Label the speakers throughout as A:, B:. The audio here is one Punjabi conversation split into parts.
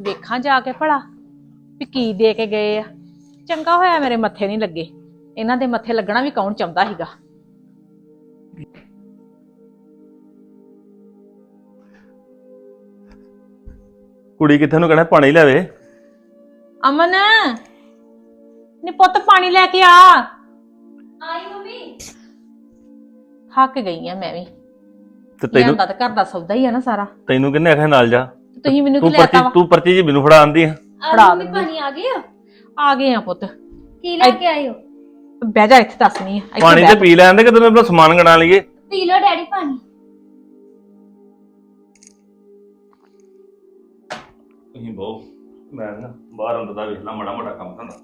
A: ਵੇਖਾਂ ਜਾ ਕੇ ਭਲਾ ਵੀ ਕੀ ਦੇ ਕੇ ਗਏ ਆ। ਚੰਗਾ ਹੋਇਆ ਮੇਰੇ ਮੱਥੇ ਨਹੀਂ ਲੱਗੇ। ਇਹਨਾਂ ਦੇ ਮੱਥੇ ਲੱਗਣਾ ਵੀ ਕੌਣ ਚਾਹੁੰਦਾ ਸੀਗਾ।
B: ਕੁੜੀ ਕਿੱਥੇ ਨੂੰ ਕਹਿਣਾ ਪਾਣੀ ਲਿਆਵੇ।
A: ਅਮਨ ਨੀ ਪੁੱਤ ਪਾਣੀ ਲੈ ਕੇ ਆ।
C: ਆਈ ਮੰਮੀ।
A: ਥੱਕ ਗਈ ਆ ਮੈਂ ਵੀ।
B: ਤੇ ਤੈਨੂੰ
A: ਤਾਂ ਘਰ ਦਾ ਸੌਦਾ ਹੀ ਆ ਨਾ ਸਾਰਾ।
B: ਤੈਨੂੰ ਕਿੰਨੇ ਆਖਿਆ ਨਾਲ ਜਾ।
A: ਤੁਸੀਂ ਮੈਨੂੰ ਕੀ
B: ਤੂੰ
A: ਲੈਤਾ
B: ਪਰਚੀ
A: ਵਾ?
B: ਤੂੰ ਪਰਚੀ ਜੀ ਮੈਨੂੰ ਫੜਾ ਆਂਦੀ ਆ।
A: ਫੜਾ
C: ਮੰਮੀ
A: ਦਿੰਦੀ।
C: ਪਾਣੀ ਆ ਗਿਆ।
A: ਆ ਗਏ ਆ ਪੁੱਤ।
C: ਕੀ ਲੈ ਕੇ ਆਏ ਹੋ?
A: ਬਹਿ ਜਾ ਇੱਥੇ ਦੱਸਣੀ ਆ। ਇੱਥੇ
B: ਪਾਣੀ
A: ਬਹਿ
B: ਤੇ ਪੀ ਲੈਂਦੇ ਕਿ ਤੈਨੂੰ ਆਪਣਾ ਸਮਾਨ ਗਣਾ ਲਈਏ।
C: ਪੀ ਲਓ ਡੈਡੀ ਪਾਣੀ।
B: ਤੁਸੀਂ ਬਹੁ ਮੈਂ ਨਾ ਬਾਹਰ ਅੰਦਰ ਦਾ ਵੇਖ ਲਾ ਮਾੜਾ ਮੋਟਾ ਕੰਮ ਧੰਦਾ।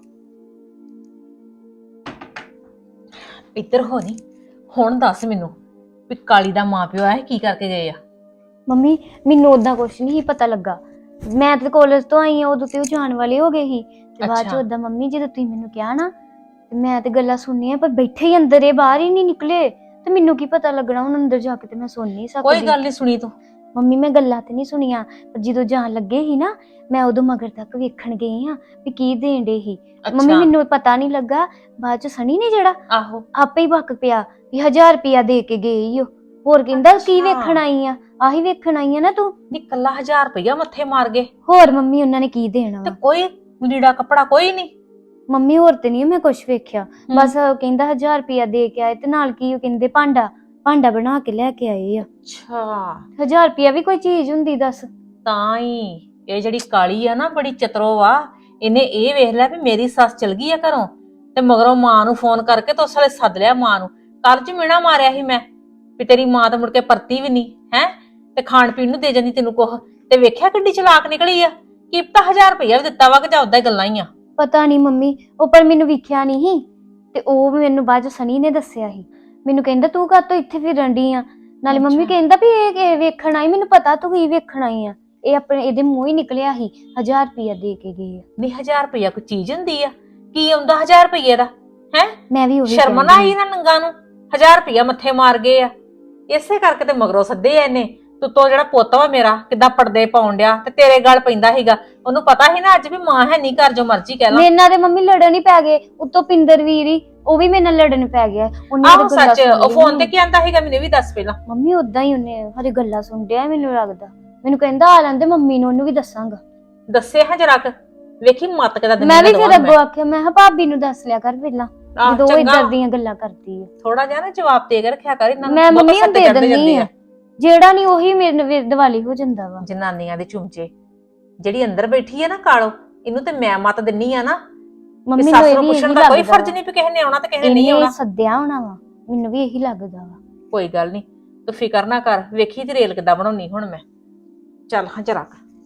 A: ਇੱਧਰ ਹੋ ਨੀ। ਹੁਣ ਦੱਸ ਮੈਨੂੰ ਵੀ ਕਾਲੀ ਦਾ ਮਾਂ ਪਿਓ ਆ ਕੀ ਕਰਕੇ ਗਏ ਆ।
C: ਮੰਮੀ ਮੈਨੂੰ ਉਦਾਂ ਕੁਛ ਨਹੀਂ ਪਤਾ ਲੱਗਾ। ਮੈਂ ਤੇ ਕਾਲਜ ਤੋਂ ਆਈ ਆ, ਉਦੋਂ ਤੇ ਉਹ ਜਾਣ ਵਾਲੇ ਹੋ ਗਏ ਸੀ ਤੇ ਬਾਅਦ ਚ
A: ਅੱਛਾ।
C: ਉਦਾਂ ਮੰਮੀ ਜਦੋਂ ਤੁਸੀਂ ਮੈਨੂੰ ਕਿਹਾ ਨਾ ਤੇ ਮੈਂ ਤੇ ਗੱਲਾਂ ਸੁਣਨੀਆਂ, ਪਰ ਬੈਠੇ ਹੀ ਅੰਦਰ ਇਹ ਬਾਹਰ ਹੀ ਨਹੀਂ ਨਿਕਲੇ ਤੇ ਮੈਨੂੰ ਕੀ ਪਤਾ ਲੱਗਣਾ। ਹੁਣ ਅੰਦਰ ਜਾ ਕੇ ਤੇ ਮੈਂ ਸੁਣ ਨਹੀਂ ਸਕਦੀ।
A: ਕੋਈ ਗੱਲ ਨਹੀਂ ਸੁਣੀ ਤੂੰ।
C: ਮੰਮੀ ਮੈਂ ਗੱਲਾਂ ਤੇ ਨਹੀਂ ਸੁਣੀਆਂ, ਪਰ ਜਦੋਂ ਜਾਣ ਲੱਗੇ ਸੀ ਨਾ ਮੈਂ ਉਦੋਂ ਮਗਰ ਤੱਕ ਵੇਖਣ ਗਈ ਆ ਵੀ ਕੀ ਦੇਣ ਡੇ ਸੀ। ਮੰਮੀ ਮੈਨੂੰ ਪਤਾ ਨਹੀਂ ਲੱਗਾ। ਬਾਅਦ ਚ ਸਣੀ ਨੇ ਜਿਹੜਾ
A: ਆਹੋ
C: ਆਪੇ ਹੀ ਵਕ ਪਿਆ ਵੀ 1000 ਰੁਪਇਆ ਦੇ ਕੇ ਗਏ ਈ ਓ। ਹੋਰ ਕਹਿੰਦਾ ਕੀ ਵੇਖਣ ਆਈ ਆ? ਆਹੀ ਵੇਖਣ ਆਈ ਆ ਨਾ ਤੂੰ।
A: ਨੀ ਕੱਲਾ 1000 ਰੁਪਇਆ ਮੱਥੇ ਮਾਰ ਗਏ
C: ਹੋਰ ਮੰਮੀ ਉਹਨਾਂ ਨੇ ਕੀ ਦੇਣਾ
A: ਤੇ
C: ਵਾ?
A: ਕੋਈ ਲੀੜਾ ਕੱਪੜਾ ਕੋਈ ਨਹੀਂ।
C: ਮੰਮੀ ਹੋਰ ਤੇ ਨਹੀਂ ਮੈਂ ਕੁਛ ਵੇਖਿਆ। ਬਸ ਕਹਿੰਦਾ 1000 ਰੁਪਇਆ ਦੇ ਕੇ ਆਏ ਤੇ ਨਾਲ ਕੀ ਉਹ ਕਹਿੰਦੇ ਭਾਂਡਾ ਬਣਾ ਕੇ ਲੈ ਕੇ ਆਏ ਆ।
A: ਅੱਛਾ
C: 1000 ਰੁਪਇਆ ਵੀ ਕੋਈ ਚੀਜ਼ ਹੁੰਦੀ ਦੱਸ?
A: ਤਾਂ ਹੀ ਇਹ ਜਿਹੜੀ ਕਾਲੀ ਆ ਨਾ ਬੜੀ ਚਤਰੋ ਵਾ। ਇਹਨੇ ਇਹ ਵੇਖ ਲਿਆ ਵੀ ਮੇਰੀ ਸੱਸ ਚਲ ਗਈ ਆ ਘਰੋਂ ਤੇ ਮਗਰੋਂ ਮਾਂ ਨੂੰ ਫੋਨ ਕਰਕੇ ਤੇ ਉਸ ਵੇਲੇ ਸੱਦ ਲਿਆ ਮਾਂ ਨੂੰ। ਕੱਲ ਚ ਮਿਹਣਾ ਮਾਰਿਆ ਸੀ ਮੈਂ ਵੀ ਤੇਰੀ ਮਾਂ ਤਾਂ ਮੁੜ ਕੇ ਪਰਤੀ ਵੀ ਨਹੀਂ ਹੈ ਤੇ ਖਾਣ ਪੀਣ ਨੂੰ ਦੇ ਜਾਂਦੀ ਤੈਨੂੰ ਕੁਛ। ਤੇ ਵੇਖਿਆ ਕਿੱਡੀ ਚਲਾਕ ਨਿਕਲੀ ਆ। ਕੀ ਪਤਾ 1000 ਰੁਪਇਆ ਵੀ ਦਿੱਤਾ ਵਾ ਕਿ ਜਾਂ ਉਦਾਂ ਹੀ ਗੱਲਾਂ ਹੀ ਆ।
C: ਪਤਾ ਨਹੀਂ ਮੰਮੀ, ਉਹ ਪਰ ਮੈਨੂੰ ਵੇਖਿਆ ਨਹੀਂ ਸੀ ਤੇ ਉਹ ਮੈਨੂੰ ਬਾਅਦ ਚ ਸਨੀ ਨੇ ਦੱਸਿਆ ਸੀ। ਮੈਨੂੰ ਕਹਿੰਦਾ ਤੂੰ ਕਾਹਤੋਂ ਇੱਥੇ ਫਿਰਨ ਡਈ ਆ? ਨਾਲੇ ਮੰਮੀ ਕਹਿੰਦਾ ਵੀ ਇਹ ਵੇਖਣ ਆਈ। ਮੈਨੂੰ ਪਤਾ ਤੂੰ ਕੀ ਵੇਖਣ ਆਈ ਆ। ਇਹ ਆਪਣੇ ਇਹਦੇ ਮੂੰਹ ਹੀ ਨਿਕਲਿਆ ਸੀ 1000 ਰੁਪਇਆ ਦੇ ਕੇ ਗਏ ਆ।
A: ਨਹੀਂ 1000 ਰੁਪਇਆ ਕੋਈ ਚੀਜ਼ ਹੁੰਦੀ ਆ? ਕੀ ਆਉਂਦਾ 1000 ਰੁਪਏ ਦਾ ਹੈ?
C: ਮੈਂ ਵੀ ਉਹੀ
A: ਸ਼ਰਮ ਨਾ ਆਈ ਨਾ ਨੰਗਾ ਨੂੰ 1000 ਰੁਪਇਆ ਮੱਥੇ ਮਾਰ ਗਏ ਆ। ਇਸੇ ਕਰਕੇ ਤੇ ਮਗਰੋਂ ਸੱਦੇ ਆ ਇਹਨੇ। ਤੂੰ ਜਿਹੜਾ ਪੁੱਤ ਵਾ ਮੇਰਾ ਕਿੱਦਾਂ ਪਰਦੇ ਪਾਉਣ ਡਿਆ ਤੇ ਤੇਰੇ ਗੱਲ ਪੈਂਦਾ ਸੀਗਾ। ਉਹਨੂੰ ਪਤਾ ਸੀ ਨਾ ਅੱਜ ਵੀ ਮਾਂ ਹੈ ਨਹੀਂ ਘਰ, ਜੋ ਮਰਜ਼ੀ ਕਹਿ ਲਾ।
C: ਮੇਰੇ ਨਾਲ ਤੇ ਮੰਮੀ ਲੜਨ ਹੀ ਪੈ ਗਏ। ਉੱਤੋਂ ਪਿੰਦਰ ਵੀਰ ਹੀ ਉਹ ਵੀ ਮੇਰੇ ਨਾਲ ਲੜਨ ਪੈ ਗਿਆ।
A: ਆਹੋ ਸੱਚ, ਉਹ ਫੋਨ ਤੇ ਕੀ ਆਂਦਾ ਸੀਗਾ ਮੈਨੂੰ ਵੀ ਦੱਸ ਪਹਿਲਾਂ।
C: ਮੰਮੀ ਉਦਾਂ ਹੀ ਉਹਨੇ ਹਰੇ ਗੱਲਾਂ ਸੁਣ ਡਿਆ ਮੈਨੂੰ ਲੱਗਦਾ। ਮੈਨੂੰ ਕਹਿੰਦਾ ਆ ਲੈਂਦੇ ਮੰਮੀ ਨੂੰ, ਉਹਨੂੰ ਵੀ ਦੱਸਾਂਗਾ।
A: ਦੱਸੇ ਹਾਂ ਜਰਾ ਕ ਵੇਖੀ ਮੱਤ ਕਿਦਾ ਦਿੰਦੀ।
C: ਮੈਂ ਵੀ ਫਿਰ ਅੱਗੋਂ ਆਖਿਆ ਮੈਂ ਕਿਹਾ ਭਾਬੀ ਨੂੰ ਦੱਸ ਲਿਆ ਕਰ ਪਹਿਲਾਂ, ਜਦੋਂ ਉਹ ਇਦਾਂ ਦੀਆਂ ਗੱਲਾਂ ਕਰਦੀ ਹੈ।
A: ਥੋੜਾ ਜਿਹਾ ਨਾ ਜਵਾਬ ਦੇ ਕੇ ਰੱਖਿਆ ਕਰ ਇਹਨਾਂ ਨੂੰ।
C: ਮੈਂ ਮੰਮੀ ਨੂੰ ਦੇ ਦਿੰਦੀ ਆ, ਜਿਹੜਾ ਨਹੀਂ ਉਹੀ ਮੇਰੇ ਦਿਵਾਲੀ ਹੋ ਜਾਂਦਾ ਵਾ।
A: ਜਨਾਨੀਆਂ ਦੇ ਚੁੰਮਚੇ। ਜਿਹੜੀ ਅੰਦਰ ਬੈਠੀ ਆ ਨਾ ਕਾਲੋ, ਇਹਨੂੰ ਤੇ ਮੈਂ ਮੱਤ ਦਿੰਨੀ ਆ ਨਾ।
C: ਮੰਮੀ
A: ਸੱਸ ਨੂੰ ਪੁੱਛਣ ਦਾ ਕੋਈ ਫਰਜ਼ ਨਹੀਂ ਵੀ ਕਿਸੇ ਨੇ ਆਉਣਾ ਤੇ ਕਿਸੇ ਨੇ ਨਹੀਂ ਆਉਣਾ।
C: ਸੱਦਿਆ ਹੋਣਾ ਵਾ, ਮੈਨੂੰ ਵੀ ਇਹੀ ਲੱਗਦਾ ਵਾ।
A: ਕੋਈ ਗੱਲ ਨਹੀਂ, ਤੂੰ ਫਿਕਰ ਨਾ ਕਰ। ਵੇਖੀ ਤੇ ਰੇਲ ਕਿੱਦਾਂ ਬਣਾਉਣੀ ਹੁਣ ਮੈਂ। ਚੱਲ ਹਾਂ ਜਰਾ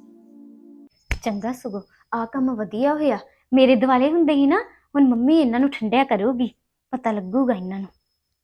C: ਚੰਗਾ ਸਗੋਂ ਆ ਕੰਮ ਵਧੀਆ ਹੋਇਆ। ਮੇਰੇ ਦਿਵਾਲੇ ਹੁੰਦੇ ਹੀ ਨਾ, ਹੁਣ ਮੰਮੀ ਇਹਨਾਂ ਨੂੰ ਠੰਡਿਆ ਕਰੂਗੀ, ਪਤਾ ਲੱਗੂਗਾ ਇਹਨਾਂ ਨੂੰ।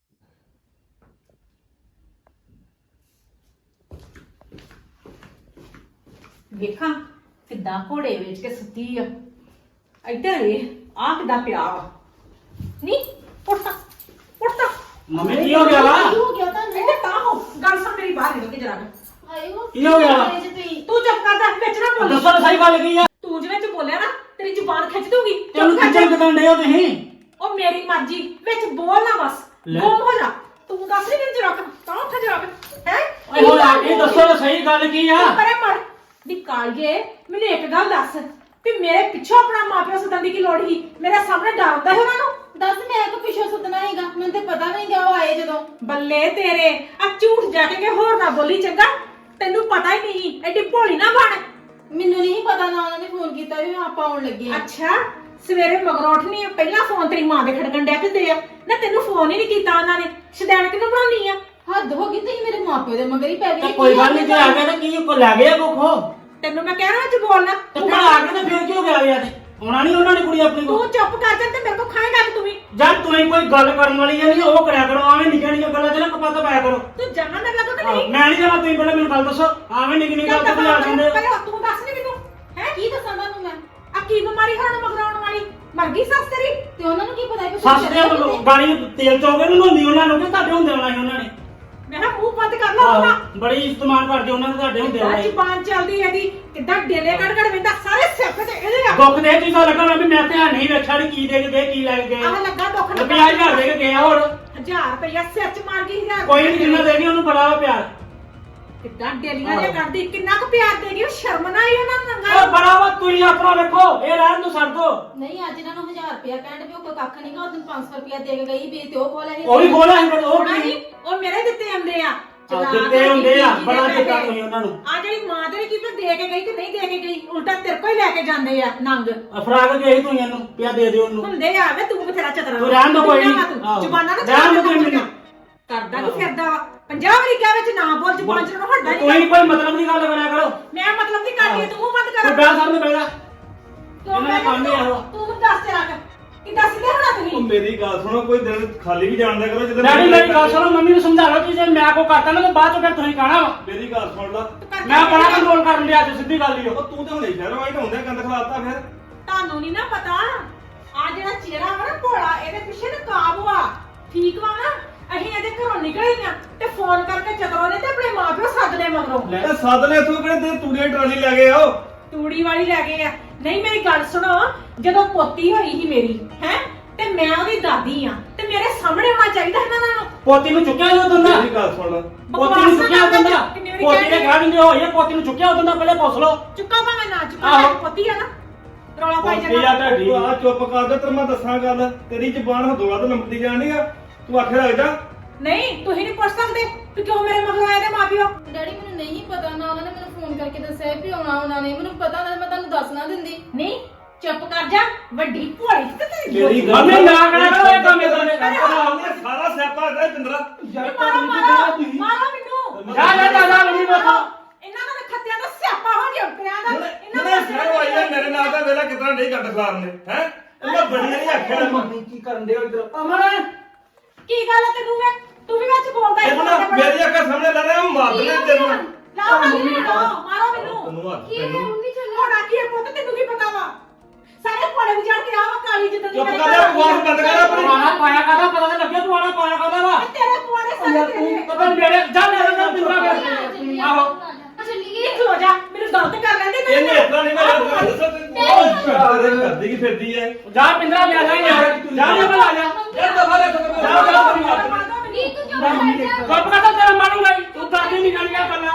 A: ਵੇਖਾਂ ਕਿੱਦਾਂ ਘੋੜੇ ਵੇਚ ਕੇ ਸੁੱਤੀ ਆ। ਇੱਧਰ ਵੇ ਆ ਕਿੱਦਾਂ ਪਿਆ ਵਾ। ਨੀ ਉੱਠਾ ਉੱਠਾ।
D: ਮੰਮੀ ਕੀ ਹੋ ਗਿਆ ਵਾ?
A: ਇੱਧਰ ਤਾਂ ਹੋ ਗੱਲ ਸੁਣ ਮੇਰੀ, ਬਾਹਰ ਨਿਕਲ ਕੇ ਜਰਾ।
D: ਕੀ ਹੋ ਗਿਆ ਵਾ?
A: ਤੂੰ ਚੁੱਪ ਕਰ ਜਾ, ਵਿੱਚ ਨਾ ਬੋਲ।
D: ਦੱਸੋ ਤਾਂ ਸਹੀ ਗੱਲ ਕੀ ਆ?
A: ਤੂੰ ਜਿਵੇਂ ਚ ਬੋਲਿਆ ਨਾ ਤੇਰੀ ਜ਼ੁਬਾਨ ਖਿੱਚ ਦੂਗੀ।
D: ਤੈਨੂੰ ਕਿੱਥੇ ਕਿਦਾਂ ਡੇ ਹੋ ਤੁਸੀਂ?
A: ਉਹ ਮੇਰੀ ਮਰਜ਼ੀ, ਵਿੱਚ ਬੋਲ ਨਾ ਬਸ। ਗੁੰਮ ਹੋ ਜਾ। ਤੂੰ ਦੱਸ ਨਹੀਂ ਮੈਨੂੰ ਜਰਾ ਤਾਂ ਉੱਠ ਜਰਾ ਹੈ।
D: ਓਏ ਹੋਇਆ ਇਹ ਦੱਸੋ ਤਾਂ ਸਹੀ ਗੱਲ ਕੀ ਆ?
A: ਪਰੇ ਮਰ ਦੀ ਕਾਲਗੇ। ਮੈਨੂੰ ਇੱਕ ਗੱਲ ਦੱਸ ਵੀ ਮੇਰੇ ਪਿੱਛੋਂ ਆਪਣਾ ਮਾਪਿਓ ਸੱਦਣ ਦੀ ਕੀ ਲੋੜ ਸੀ? ਮੇਰੇ ਸਾਹਮਣੇ ਡਰਦਾ ਹੈ ਉਹਨਾਂ ਨੂੰ।
E: ਦੱਸ ਮੈਂ ਤਾਂ ਪਿੱਛੋਂ ਸੁੱਤਣਾ ਹੈਗਾ, ਮੈਨੂੰ ਤੇ ਪਤਾ ਨਹੀਂ ਗਿਆ ਉਹ ਆਏ ਜਦੋਂ।
A: ਬੱਲੇ ਤੇਰੇ ਆ ਝੂਠ ਜਾ ਕੇ ਹੋਰ ਨਾ ਬੋਲੀ ਚੰਗਾ। ਤੈਨੂੰ ਪਤਾ ਹੀ ਨਹੀਂ, ਐਡੀ ਭੋਲੀ ਨਾ ਬਣ।
E: ਮੈਨੂੰ ਨਹੀਂ ਪਤਾ ਨਾ ਉਹਨਾਂ ਨੇ ਫੋਨ ਕੀਤਾ ਵੀ ਆਪਾਂ ਆਉਣ ਲੱਗੇ ਆ।
A: ਅੱਛਾ ਸਵੇਰੇ ਮਗਰੋਂ ਉੱਠਣੀ ਆ, ਪਹਿਲਾਂ ਫੋਨ ਤੇਰੀ ਮਾਂ ਦੇ ਖੜਕਣ ਡਿਆ ਪਿੰਦੇ ਆ ਨਾ। ਤੈਨੂੰ ਫੋਨ ਹੀ ਨਹੀਂ ਕੀਤਾ ਉਹਨਾਂ ਨੇ। ਸ਼ਦੈਣ ਕਿਨੂੰ ਬਣਾਉਣੀ ਆ?
E: ਹੱਦ ਹੋ ਗਈ, ਤੁਸੀਂ ਮੇਰੇ ਮਾਪਿਓ ਦੇ ਮਗਰ ਹੀ ਪੈ ਗਏ।
D: ਕੋਈ ਗੱਲ ਨਹੀਂ, ਤੇ ਆ ਗਿਆ ਤਾਂ ਕੀ ਕੋ ਲੈ ਗਿਆ ਕੋਖੋ?
A: ਤੈਨੂੰ ਮੈਂ ਕਹਿ ਰਿਹਾ ਚ ਬੋਲਣਾ।
D: ਤੇ ਫਿਰ ਆ ਕੇ ਤਾਂ ਫਿਰ ਕੀ ਹੋ ਗਿਆ ਯਾਰ? ਆਉਣਾ ਨਹੀਂ ਉਹਨਾਂ ਨੇ ਕੁੜੀ ਆਪਣੀ ਕੋ?
A: ਤੂੰ ਚੁੱਪ ਕਰ ਜਾ ਤੇ ਮੇਰੇ ਕੋ ਖਾਏਗਾ ਤੂੰ ਵੀ।
D: ਜਦ ਤੂੰ ਕੋਈ ਗੱਲ ਕਰਨ ਵਾਲੀ ਆ ਨਹੀਂ ਉਹ ਕਰਿਆ ਕਰੋ। ਆਵੇਂ ਨਿੱਕੀਆਂ ਨਿੱਕੀਆਂ ਗੱਲਾਂ 'ਚ ਨਾ ਕਪੱਤ ਪਾਇਆ ਕਰੋ।
A: ਤੂੰ ਜਾਣਾ ਮੇਰੇ ਲੱਗੋ ਕਿ ਨਹੀਂ?
D: ਮੈਂ ਨਹੀਂ ਜਾਣਾ, ਤੁਸੀਂ ਪਹਿਲਾਂ ਮੈਨੂੰ ਗੱਲ ਦੱਸੋ। ਆਵੇਂ ਨਿੱਕੀ ਨਿੱਕੀ ਗੱਲ ਤੇ ਆ ਜਾਂਦੇ ਹੋ।
A: ਪਹਿਲਾਂ ਤੂੰ ਦੱਸ ਨਹੀਂ ਮੈਨੂੰ ਹੈ
E: ਕੀ ਦੱਸਾਂ ਤੁਹਾਨੂੰ ਮੈਂ?
A: ਆ ਕੀ ਬਿਮਾਰੀ ਹੁਣ ਮਗਰਾਉਣ ਵਾਲੀ? ਮਰ ਗਈ ਸੱਸ ਤੇਰੀ?
E: ਤੇ ਉਹਨਾਂ ਨੂੰ ਕੀ ਪਤਾ ਕਿ
D: ਸੱਸ ਦੇ ਗਾੜੀ ਤੇਲ ਚੋਗੇ ਨੂੰ ਹੁੰਦੀ ਉਹਨਾਂ ਨੂੰ ਕਿ ਤੁਹਾਡੇ ਹੁੰਦੇ ਆਉਣਾ ਸੀ ਉਹਨਾਂ ਨੇ।
F: ਮੈਂ ਕਿਹਾ ਮੂੰਹ ਬੰਦ ਕਰ ਲਾ ਆਪਣਾ।
D: ਬੜੀ ਇਸਤੇਮਾਲ ਕਰਦੇ ਉਹਨਾਂ ਨੇ ਤੁਹਾਡੇ ਹੁੰਦੇ
F: ਆਹ
D: ਹੋਏ
F: ਜ਼ੁਬਾਨ ਚੱਲਦੀ ਇਹਦੀ ਕਿੱਦਾਂ ਡੇਲੇ ਕੱਢ ਕੱਢ ਵੇਂਦਾ ਸਾਰੇ ਸਿਰ ਤੇ ਇਹਦੇ ਆ।
D: ਦੁੱਖ ਦੇ ਤੁਸੀਂ ਲੱਗਾ ਵੀ ਮੈਂ ਧਿਆਨ ਨਹੀਂ ਵੇਖਿਆ ਵੀ ਕੀ ਦੇ ਕੇ ਗਏ ਕੀ ਲੈ ਕੇ ਗਏ
F: ਆਹ ਲੱਗਾ ਦੁੱਖ ਨਾ
D: 50,000 ਦੇ ਕੇ ਗਏ ਆ ਹੋਰ
F: 1000 ਰੁਪਇਆ ਸਿਰ ਚ ਮਾਰ ਗਈ 1000
D: ਕੋਈ ਨਹੀਂ ਜਿੰਨਾ ਦੇ ਗਈ ਉਹਨੂੰ ਬੜਾ ਵਾ ਪਿਆਰ
F: ਕਿੱਦਾਂ ਡੇਲੀਆਂ ਜਿਹਾ ਕਰਦੀ ਕਿੰਨਾ ਕੁ ਪਿਆਰ ਦੇਗੀ ਉਹ ਸ਼ਰਮ ਨਾ ਆਈ ਉਹਨਾਂ ਨੂੰ
D: ਉਹ
F: ਨੰਗਾ।
D: ਬੜਾ ਵਾ ਤੁਸੀਂ ਆਪਣਾ ਵੇਖੋ ਇਹ ਰਹਿਣ ਨੂੰ ਛੱਡ ਦੋ
E: ਨਹੀਂ ਅੱਜ ਇਹਨਾਂ ਨੂੰ 1000 ਰੁਪਇਆ ਕਹਿਣ ਵੀ ਉਹ ਕੋਈ ਕੱਖ ਨਹੀਂਗਾ ਉਹ ਦਿਨ 500 ਰੁਪਇਆ ਦੇ ਕੇ ਗਈ ਵੀ ਤੇ ਉਹ ਕੋਲ ਹੈ
D: ਉਹ ਵੀ ਖੋਲਾ ਸੀ ਪਰ ਉਹ
F: ਹੋਣਾ
D: ਕੀ
F: ਨੀ, ਉਹ ਮੇਰੇ ਦਿੱਤੇ ਆਂਦੇ ਆ
D: ਦਿੱਤੇ ਹੁੰਦੇ ਆ ਬੜਾ ਦਿੱਤਾ ਤੁਸੀਂ ਉਹਨਾਂ ਨੂੰ
F: ਆ ਜਿਹੜੀ ਮਾਂ ਤੇਰੀ ਕੀ ਪਤਾ ਦੇ ਕੇ ਗਈ ਕਿ ਨਹੀਂ ਦੇ ਕੇ ਗਈ ਉਲਟਾ ਤੇਰੇ ਕੋਲ ਹੀ ਲੈ ਕੇ ਜਾਂਦੇ ਆ ਨੰਗ
D: ਅਫਰਾਗ ਗਏ ਤੁਸੀਂ ਇਹਨੂੰ ਪਿਆ ਦੇ ਦਿਓ ਉਹਨੂੰ
F: ਹੁੰਦੇ ਆ ਵੇ ਤੂੰ ਬਥੇਰਾ ਚਤਰਾ
D: ਤੂੰ ਰਹਿਣ ਦਿਓ ਕੋਈ ਨੀ। ਆਹੋ।
F: ਜ਼ੁਬਾਨਾਂ ਨਾ
D: ਰਹਿਣ ਦਿਓ ਤੁਸੀਂ ਮੈਨੂੰ।
F: ਕਰਦਾ ਕੀ ਫਿਰਦਾ ਵਾ 50 ਵਾਰੀ ਕਹਿ ਵਿੱਚ ਨਾ ਬੋਲ ਜ਼ੁਬਾਨ ਚ ਨਾ ਹੱਡਾ
D: ਕੋਈ
F: ਨਹੀਂ
D: ਕੋਈ ਮਤਲਬ ਦੀ ਗੱਲ ਕਰਿਆ ਕਰੋ
F: ਮੈਂ ਮਤਲਬ ਦੀ ਕਰਦੀ ਤੂੰ ਮੂੰਹ ਬੰਦ
D: ਤੂੰ
F: ਕਰ
D: ਬੈਠ ਸਾਹਮਣੇ ਬੈਠਾ
F: ਤੂੰ
D: ਇਹਨਾਂ ਦਾ ਕੰਮ ਹੀ ਇਹੋ।
F: ਤੂੰ ਮੈਨੂੰ ਦੱਸ ਤੇ ਰੱਖ ਕਿੱਦਾਂ ਸਿੱਧੇ ਹੋਣਾ
B: ਉਹ
F: ਤੁਸੀਂ
B: ਮੇਰੀ ਗੱਲ ਸੁਣੋ ਕੋਈ ਦਿਨ ਖਾਲੀ ਵੀ ਜਾਣਦਾ ਕਰੋ ਜਦੋਂ
D: ਡੈਡੀ ਮੇਰੀ ਗੱਲ ਸੁਣੋ ਮੰਮੀ ਨੂੰ ਸਮਝਾ ਲਓ ਕਿ ਜੇ ਮੈਂ ਕੋ ਕਰਤਾ ਨਾ ਤਾਂ ਬਾਅਦ ਚ ਫਿਰ ਤੁਸੀਂ ਕਹਣਾ ਵਾ
B: ਮੇਰੀ ਗੱਲ ਸੁਣ ਲਾ
D: ਮੈਂ ਬੜਾ ਕੰਟਰੋਲ ਕਰਨ ਲਿਆ ਅੱਜ ਸਿੱਧੀ ਗੱਲ ਹੀ
B: ਉਹ ਤੂੰ ਤਾਂ ਹੁਣੇ ਸ਼ਹਿਰੋਂ ਆਈ ਤਾਂ ਹੁੰਦੇ ਗੰਦ ਖਲਾਤਾ ਫਿਰ
F: ਤੁਹਾਨੂੰ ਨਹੀਂ ਨਾ ਪਤਾ ਆ ਜਿਹੜਾ ਚਿਹਰਾ ਵਾ ਨਾ ਭੋਲਾ ਇਹਦੇ ਪਿੱਛੇ ਨਕਾਬ ਵਾ ਠੀਕ ਵਾ ਨਾ ਅਸੀਂ ਇਹਦੇ ਘਰੋਂ ਨਿਕਲੇ ਹੀ ਆ ਤੇ ਫੋਨ ਕਰਕੇ ਚਤਰੋ ਨੇ ਤੇ ਆਪਣੇ ਮਾਪਿਓ ਸੱਦ ਲਏ ਮਗਰੋਂ
B: ਇਹ ਸੱਦ ਲੈ ਤੂੰ ਕਿਹੜੇ ਤੇ ਤੂੜੀਆਂ ਟਰਾਲੀ ਲੈ ਗਏ ਆਓ
F: ਤੂੜੀ ਵਾਲੀ ਲੈ ਗਏ ਆ ਨਹੀਂ ਮੇਰੀ ਗੱਲ ਸੁਣੋ ਜਦੋਂ ਪੋਤੀ ਹੋਈ ਸੀ ਮੇਰੀ ਹੈ ਤੇ ਮੈਂ ਉਹਦੀ ਦਾਦੀ ਆ ਤੇ ਮੇਰੇ ਸਾਹਮਣੇ ਹੋਣਾ ਚਾਹੀਦਾ ਇਹਨਾਂ ਨੂੰ
D: ਪੋਤੀ ਨੂੰ ਚੁੱਕਿਆ ਜੋ ਦੰਦਾ
B: ਮੇਰੀ ਗੱਲ ਸੁਣ ਲਾ
D: ਪੋਤੀ ਨੂੰ ਚੁੱਕਿਆ ਦੰਦਾ ਪੋਤੀ ਦੇ ਘਰ ਨਹੀਂ ਹੋਈ ਪੋਤੀ ਨੂੰ ਚੁੱਕਿਆ ਦੰਦਾ ਪਹਿਲੇ ਪੁੱਛ ਲਓ
F: ਚੁੱਕਾ ਭਾਵੇਂ ਨਾ ਚੁੱਕਾ
D: ਆਹੋ।
F: ਮੇਰੀ ਪੋਤੀ ਆ ਨਾ ਰੌਲਾ ਪਾਈ
D: ਪੋਤੀ ਆ
F: ਜਾਂਦਾ
D: ਤੁਹਾਡੀ
B: ਤੂੰ ਆ ਚੁੱਪ ਕਰ ਦੇ ਤੈਨੂੰ ਮੈਂ ਦੱਸਾਂ ਗੱਲ ਤੇਰੀ ਜ਼ਬਾਨ ਹੱਦੋਂ ਵੱਧ ਲੰਮਦੀ ਜਾਣੀ ਆ ਤੂੰ ਆਖੇ ਲੱਗ ਜਾ
F: ਨਹੀਂ ਤੁਸੀਂ ਨਹੀਂ ਪੁੱਛ ਸਕਦੇ ਕਿ ਕਿਉਂ ਮੇਰੇ ਮਗਰੋਂ ਆਏ ਨੇ ਮਾਪਿਓ
E: ਡੈਡੀ ਮੈਨੂੰ ਨਹੀਂ ਪਤਾ ਨਾ ਉਹਨਾਂ ਨੇ ਮੈਨੂੰ ਫੋਨ ਕਰਕੇ ਦੱਸਿਆ ਵੀ ਆਉਣਾ ਉਹਨਾਂ ਨੇ ਮੈਨੂੰ ਪਤਾ ਨਾ ਮੈਂ ਤੁਹਾਨੂੰ ਦੱਸ ਨਾ ਦਿੰਦੀ
F: ਨਹੀਂ ਚੁੱਪ ਕਰ ਜਾ ਵੱਡੀ ਭੋਲੀ ਤੇ ਤੇਰੀ
B: ਮੇਰੀ ਗੱਲ
D: ਮੰਮੀ ਨਾ ਕਰਿਆ ਕਰੋ ਇਹ ਕੰਮ ਇਹਦਾ ਨੇ
B: ਸਾਰਾ ਸਿਆਪਾ ਹੈ ਚੰਦਰਾ
F: ਮਾਰੋ ਮਾਰੋ ਮੈਨੂੰ
D: ਜਾ ਜਾ ਜਾ ਜਾ ਮੰਮੀ ਵੇਖੋ
F: ਇਹਨਾਂ ਦਾ ਖੱਤਿਆਂ ਦਾ ਸਿਆਪਾ ਹੋ ਗਿਆ ਪਿਆ ਦਾ
B: ਇਹਨੇ ਸ਼ਹਿਰੋਂ ਆਈ ਆ ਮੇਰੇ ਨਾਲ ਤਾਂ ਵੇਲਾ ਕਿਤਨਾ ਨਹੀਂ ਕੱਟ ਖਲਾਰਨੇ ਹੈ ਇਹਨਾਂ ਬੜੀਆਂ ਨਹੀਂ ਆਖਿਆ
D: ਮੰਮੀ ਕੀ ਕਰਨ ਦੇ ਇਧਰ ਅਮਨ
F: ਕੀ ਗੱਲ ਹੈ ਤੈਨੂੰ ਵੇ ਤੂੰ ਵੀ ਵਿੱਚ ਬੋਲਦਾ
B: ਇਹ ਨਾ ਮੇਰੀ ਅੱਖਾਂ ਸਾਹਮਣੇ ਲਾ ਰਿਹਾ ਮਾਰ ਦੇ ਤੈਨੂੰ
F: ਲਾਓ ਮੰਮੀ ਮਾਰੋ ਮੈਨੂੰ
B: ਤੈਨੂੰ ਹੱਥ
E: ਕੀ ਹੈ
B: ਤੈਨੂੰ
E: ਮੰਮੀ ਚੱਲੋ
F: ਹੋਣਾ ਕੀ ਹੈ ਪੁੱਤ ਤੈਨੂੰ ਕੀ ਪਤਾ ਵਾ ਸਾਰੇ ਕੋਲੇ ਵਿਚਾਰ ਕੇ ਆਵਾ ਕਾਲੀ ਜਿੱਦਾਂ ਦੀ
B: ਚੁੱਪ
F: ਮੇਰੇ
B: ਕਰ ਜਾ,
F: ਘਰ
B: ਬਕਵਾਸ ਬੰਦ ਕਰ ਆਪਣੀ।
D: ਪੁਆਣਾ ਪਾਇਆ ਕਾਦਾ ਪਤਾ ਤਾਂ ਲੱਗਿਆ ਪੁਆਣਾ ਪਾਇਆ ਕਾਦਾ ਵਾ
F: ਤੇਰੇ ਪੁਆੜੇ ਸਾਰੇ
D: ਯਾਰ
F: ਤੇਰੇ
D: ਤੂੰ ਪਤਾ ਮੇਰੇ ਜਾ ਲੈ ਜਾ ਪਿੰਦਰਾ ਵੇ ਆਹੋ
E: ਚੱਲੀਏ
F: ਇਹ ਖਲੋ ਜਾ ਮੈਨੂੰ ਗਲਤ ਕਰ ਲੈਂਦੇ
B: ਇਹਨੇ ਇਤਨਾ ਨਹੀਂ ਮੈਂ ਦੱਸੋ ਤੈਨੂੰ ਕਰਦੀ ਕੀ ਫਿਰਦੀ ਹੈ
D: ਜਾ ਪਿੰਦਰਾ ਲੈ ਜਾ ਯਾਰ ਜਾ ਲੈ ਬਲਾ ਜਾ
B: ਯਾਰ ਦਫਾ ਲੈ
E: ਨਹੀਂ ਤੂੰ ਕਿਉਂ ਬੈਠ ਜਾ
D: ਕੱਪ ਕਾ ਤੇਰਾ ਮਾਰੂੰਗਾ ਤੂੰ ਤਾਂ ਨਹੀਂ ਨਿਕਲੀਆਂ ਗੱਲਾਂ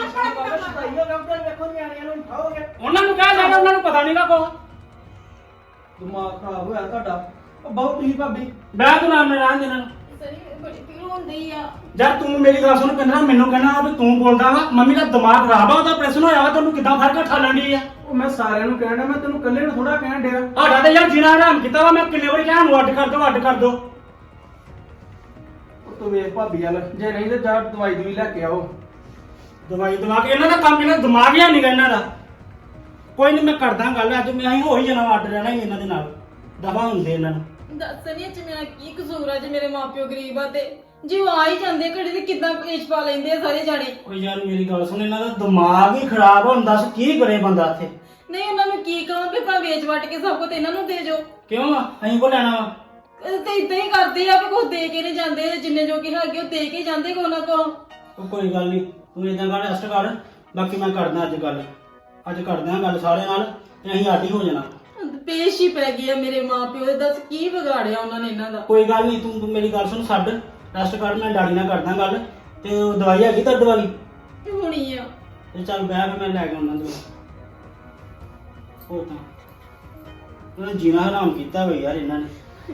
D: ਉਹਨਾਂ ਨੂੰ ਕਹਿ ਲੈਣਾ ਉਹਨਾਂ ਨੂੰ ਪਤਾ ਨਹੀਂਗਾ ਕੋ
G: ਦਿਮਾਗ ਖਰਾਬ ਹੋਇਆ ਤੁਹਾਡਾ ਉਹ ਬਹੁਤ ਤੁਸੀਂ ਭਾਬੀ
D: ਮੈਂ ਤੂੰ ਨਾਮ ਰਹਿਣ ਦੇਣਾ
E: ਸਰੀ ਬੜੀ ਪੀੜ ਹੁੰਦੀ ਆ
D: ਜਦ ਤੂੰ ਮੇਰੀ ਗੱਲ ਸੁਣ ਕਹਿੰਦਾ ਮੈਨੂੰ ਕਹਿਣਾ ਵੀ ਤੂੰ ਬੋਲਦਾ ਵਾ ਮੰਮੀ ਦਾ ਦਿਮਾਗ ਖਰਾਬ ਆ ਉਹਦਾ ਪ੍ਰੈਸ਼ਨ ਹੋਇਆ ਵਾ ਤੈਨੂੰ ਕਿੱਦਾਂ ਫਰਕ ਠਾਲਣ ਦੀ ਆ
G: ਉਹ ਮੈਂ ਸਾਰਿਆਂ ਨੂੰ ਕਹਿਣਾ ਮੈਂ ਤੈਨੂੰ ਇਕੱਲੇ ਨੂੰ ਥੋੜਾ ਕਹਿਣ ਡਿਆ
D: ਸਾਡਾ ਤੇ ਯਾਰ ਜੀਣਾ ਹਰਾਮ ਕੀਤਾ ਵਾ ਮੈਂ ਕਿੰਨੇ ਵਾਰੀ ਕਿਹਾ ਨੂੰ ਅੱਡ ਕਰ ਦੋ
G: ਉਹ ਤੂੰ ਵੇਖ ਭਾਬੀ ਵਾਲ ਜੇ ਨਹੀਂ ਤੇ ਜਾ ਦਵਾਈ ਦੂਈ ਲੈ ਕੇ ਆਓ
D: ਦਵਾਈ ਦਿਮਾਗ ਇਹਨਾਂ ਦਾ ਕੰਮ ਇਹਨਾਂ ਦਾ ਦਿਮਾਗ ਹੀ ਨਹੀਂ ਗਾ ਇਹਨਾਂ ਦਾ ਕੋਈ ਨਹੀਂ ਮੈਂ ਕਰਦਾ ਗੱਲ ਅੱਜ ਮੈਂ ਹੀ ਹੋ ਹੀ ਜਾਣਾ ਅੱਡ ਰਹਿਣਾ ਹੀ ਇਹਨਾਂ ਦੇ ਨਾਲ ਦਵਾ ਹੁੰਦੇ ਇਹਨਾਂ ਨੂੰ
E: ਦੱਸ ਨਹੀਂ ਅੱਜ ਮੇਰਾ ਕੀ ਕਸੂਰ ਆ ਜੇ ਮੇਰੇ ਮਾਪਿਓ ਗਰੀਬ ਆ ਤੇ ਜੇ ਉਹ ਆ ਹੀ ਜਾਂਦੇ ਘੜੀ ਤੇ ਕਿੱਦਾਂ ਕਲੇਸ਼ ਪਾ ਲੈਂਦੇ ਆ ਸਾਰੇ ਜਾਣੇ
D: ਓਏ ਯਾਰ ਮੇਰੀ ਗੱਲ ਸੁਣ ਇਹਨਾਂ ਦਾ ਦਿਮਾਗ ਹੀ ਖਰਾਬ ਹੁਣ ਦੱਸ ਕੀ ਕਰੇ ਬੰਦਾ ਇੱਥੇ
E: ਨਹੀਂ ਉਹਨਾਂ ਨੂੰ ਕੀ ਕਹਾਂ ਵੀ ਆਪਣਾ ਵੇਚ ਵਟ ਕੇ ਸਭ ਕੁਝ ਇਹਨਾਂ ਨੂੰ ਦੇ ਜੋ
D: ਕਿਉਂ ਆ ਅਸੀਂ ਕੋ ਲੈਣਾ ਵਾ
E: ਤੇ ਇਦਾਂ ਹੀ ਕਰਦੇ ਆ ਵੀ ਕੁਝ ਦੇ ਕੇ ਨਹੀਂ ਜਾਂਦੇ ਜਿੰਨੇ ਜੋ ਕਿ ਹੈਗੇ ਉਹ ਦੇ ਕੇ ਜਾਂਦੇ ਕੋ ਨਾ ਕੋ
D: ਉਹ ਕੋਈ ਗੱਲ ਨਹੀਂ ਤੂੰ ਇਦਾਂ ਕਰ ਰੈਸਟ ਕਰ ਬਾਕੀ ਮੈਂ ਕਰਦਾ ਅੱਜ ਕਰਦੇ ਹਾਂ ਗੱਲ ਸਾਰਿਆਂ ਨਾਲ ਤੇ ਅਸੀਂ ਅੱਡ ਹੀ ਹੋ ਜਾਣਾ
E: ਪੇਸ਼ ਹੀ ਪੈ ਗਈ ਆ ਮੇਰੇ ਮਾਪਿਓ ਦੇ ਦੱਸ ਕੀ ਵਿਗਾੜਿਆ ਉਹਨਾਂ ਨੇ ਇਹਨਾਂ ਦਾ
D: ਕੋਈ ਗੱਲ ਨਹੀਂ ਤੂੰ ਮੇਰੀ ਗੱਲ ਸੁਣ ਛੱਡ ਰੈਸਟ ਕਰ ਮੈਂ ਡੈਡੀ ਨਾਲ ਕਰਦਾ ਗੱਲ ਤੇ ਉਹ ਦਵਾਈ ਹੈਗੀ ਤੁਹਾਡੇ ਵਾਲੀ
E: ਹੋਣੀ ਆ
D: ਤੇ ਚੱਲ ਬਹਿ ਕੇ ਮੈਂ ਲੈ ਕੇ ਆਉਣਾ ਦਵਾਈ ਉਹ ਤਾਂ ਉਹਨੇ ਜੀਣਾ ਹਰਾਮ ਕੀਤਾ ਹੋਇਆ ਯਾਰ ਇਹਨਾਂ ਨੇ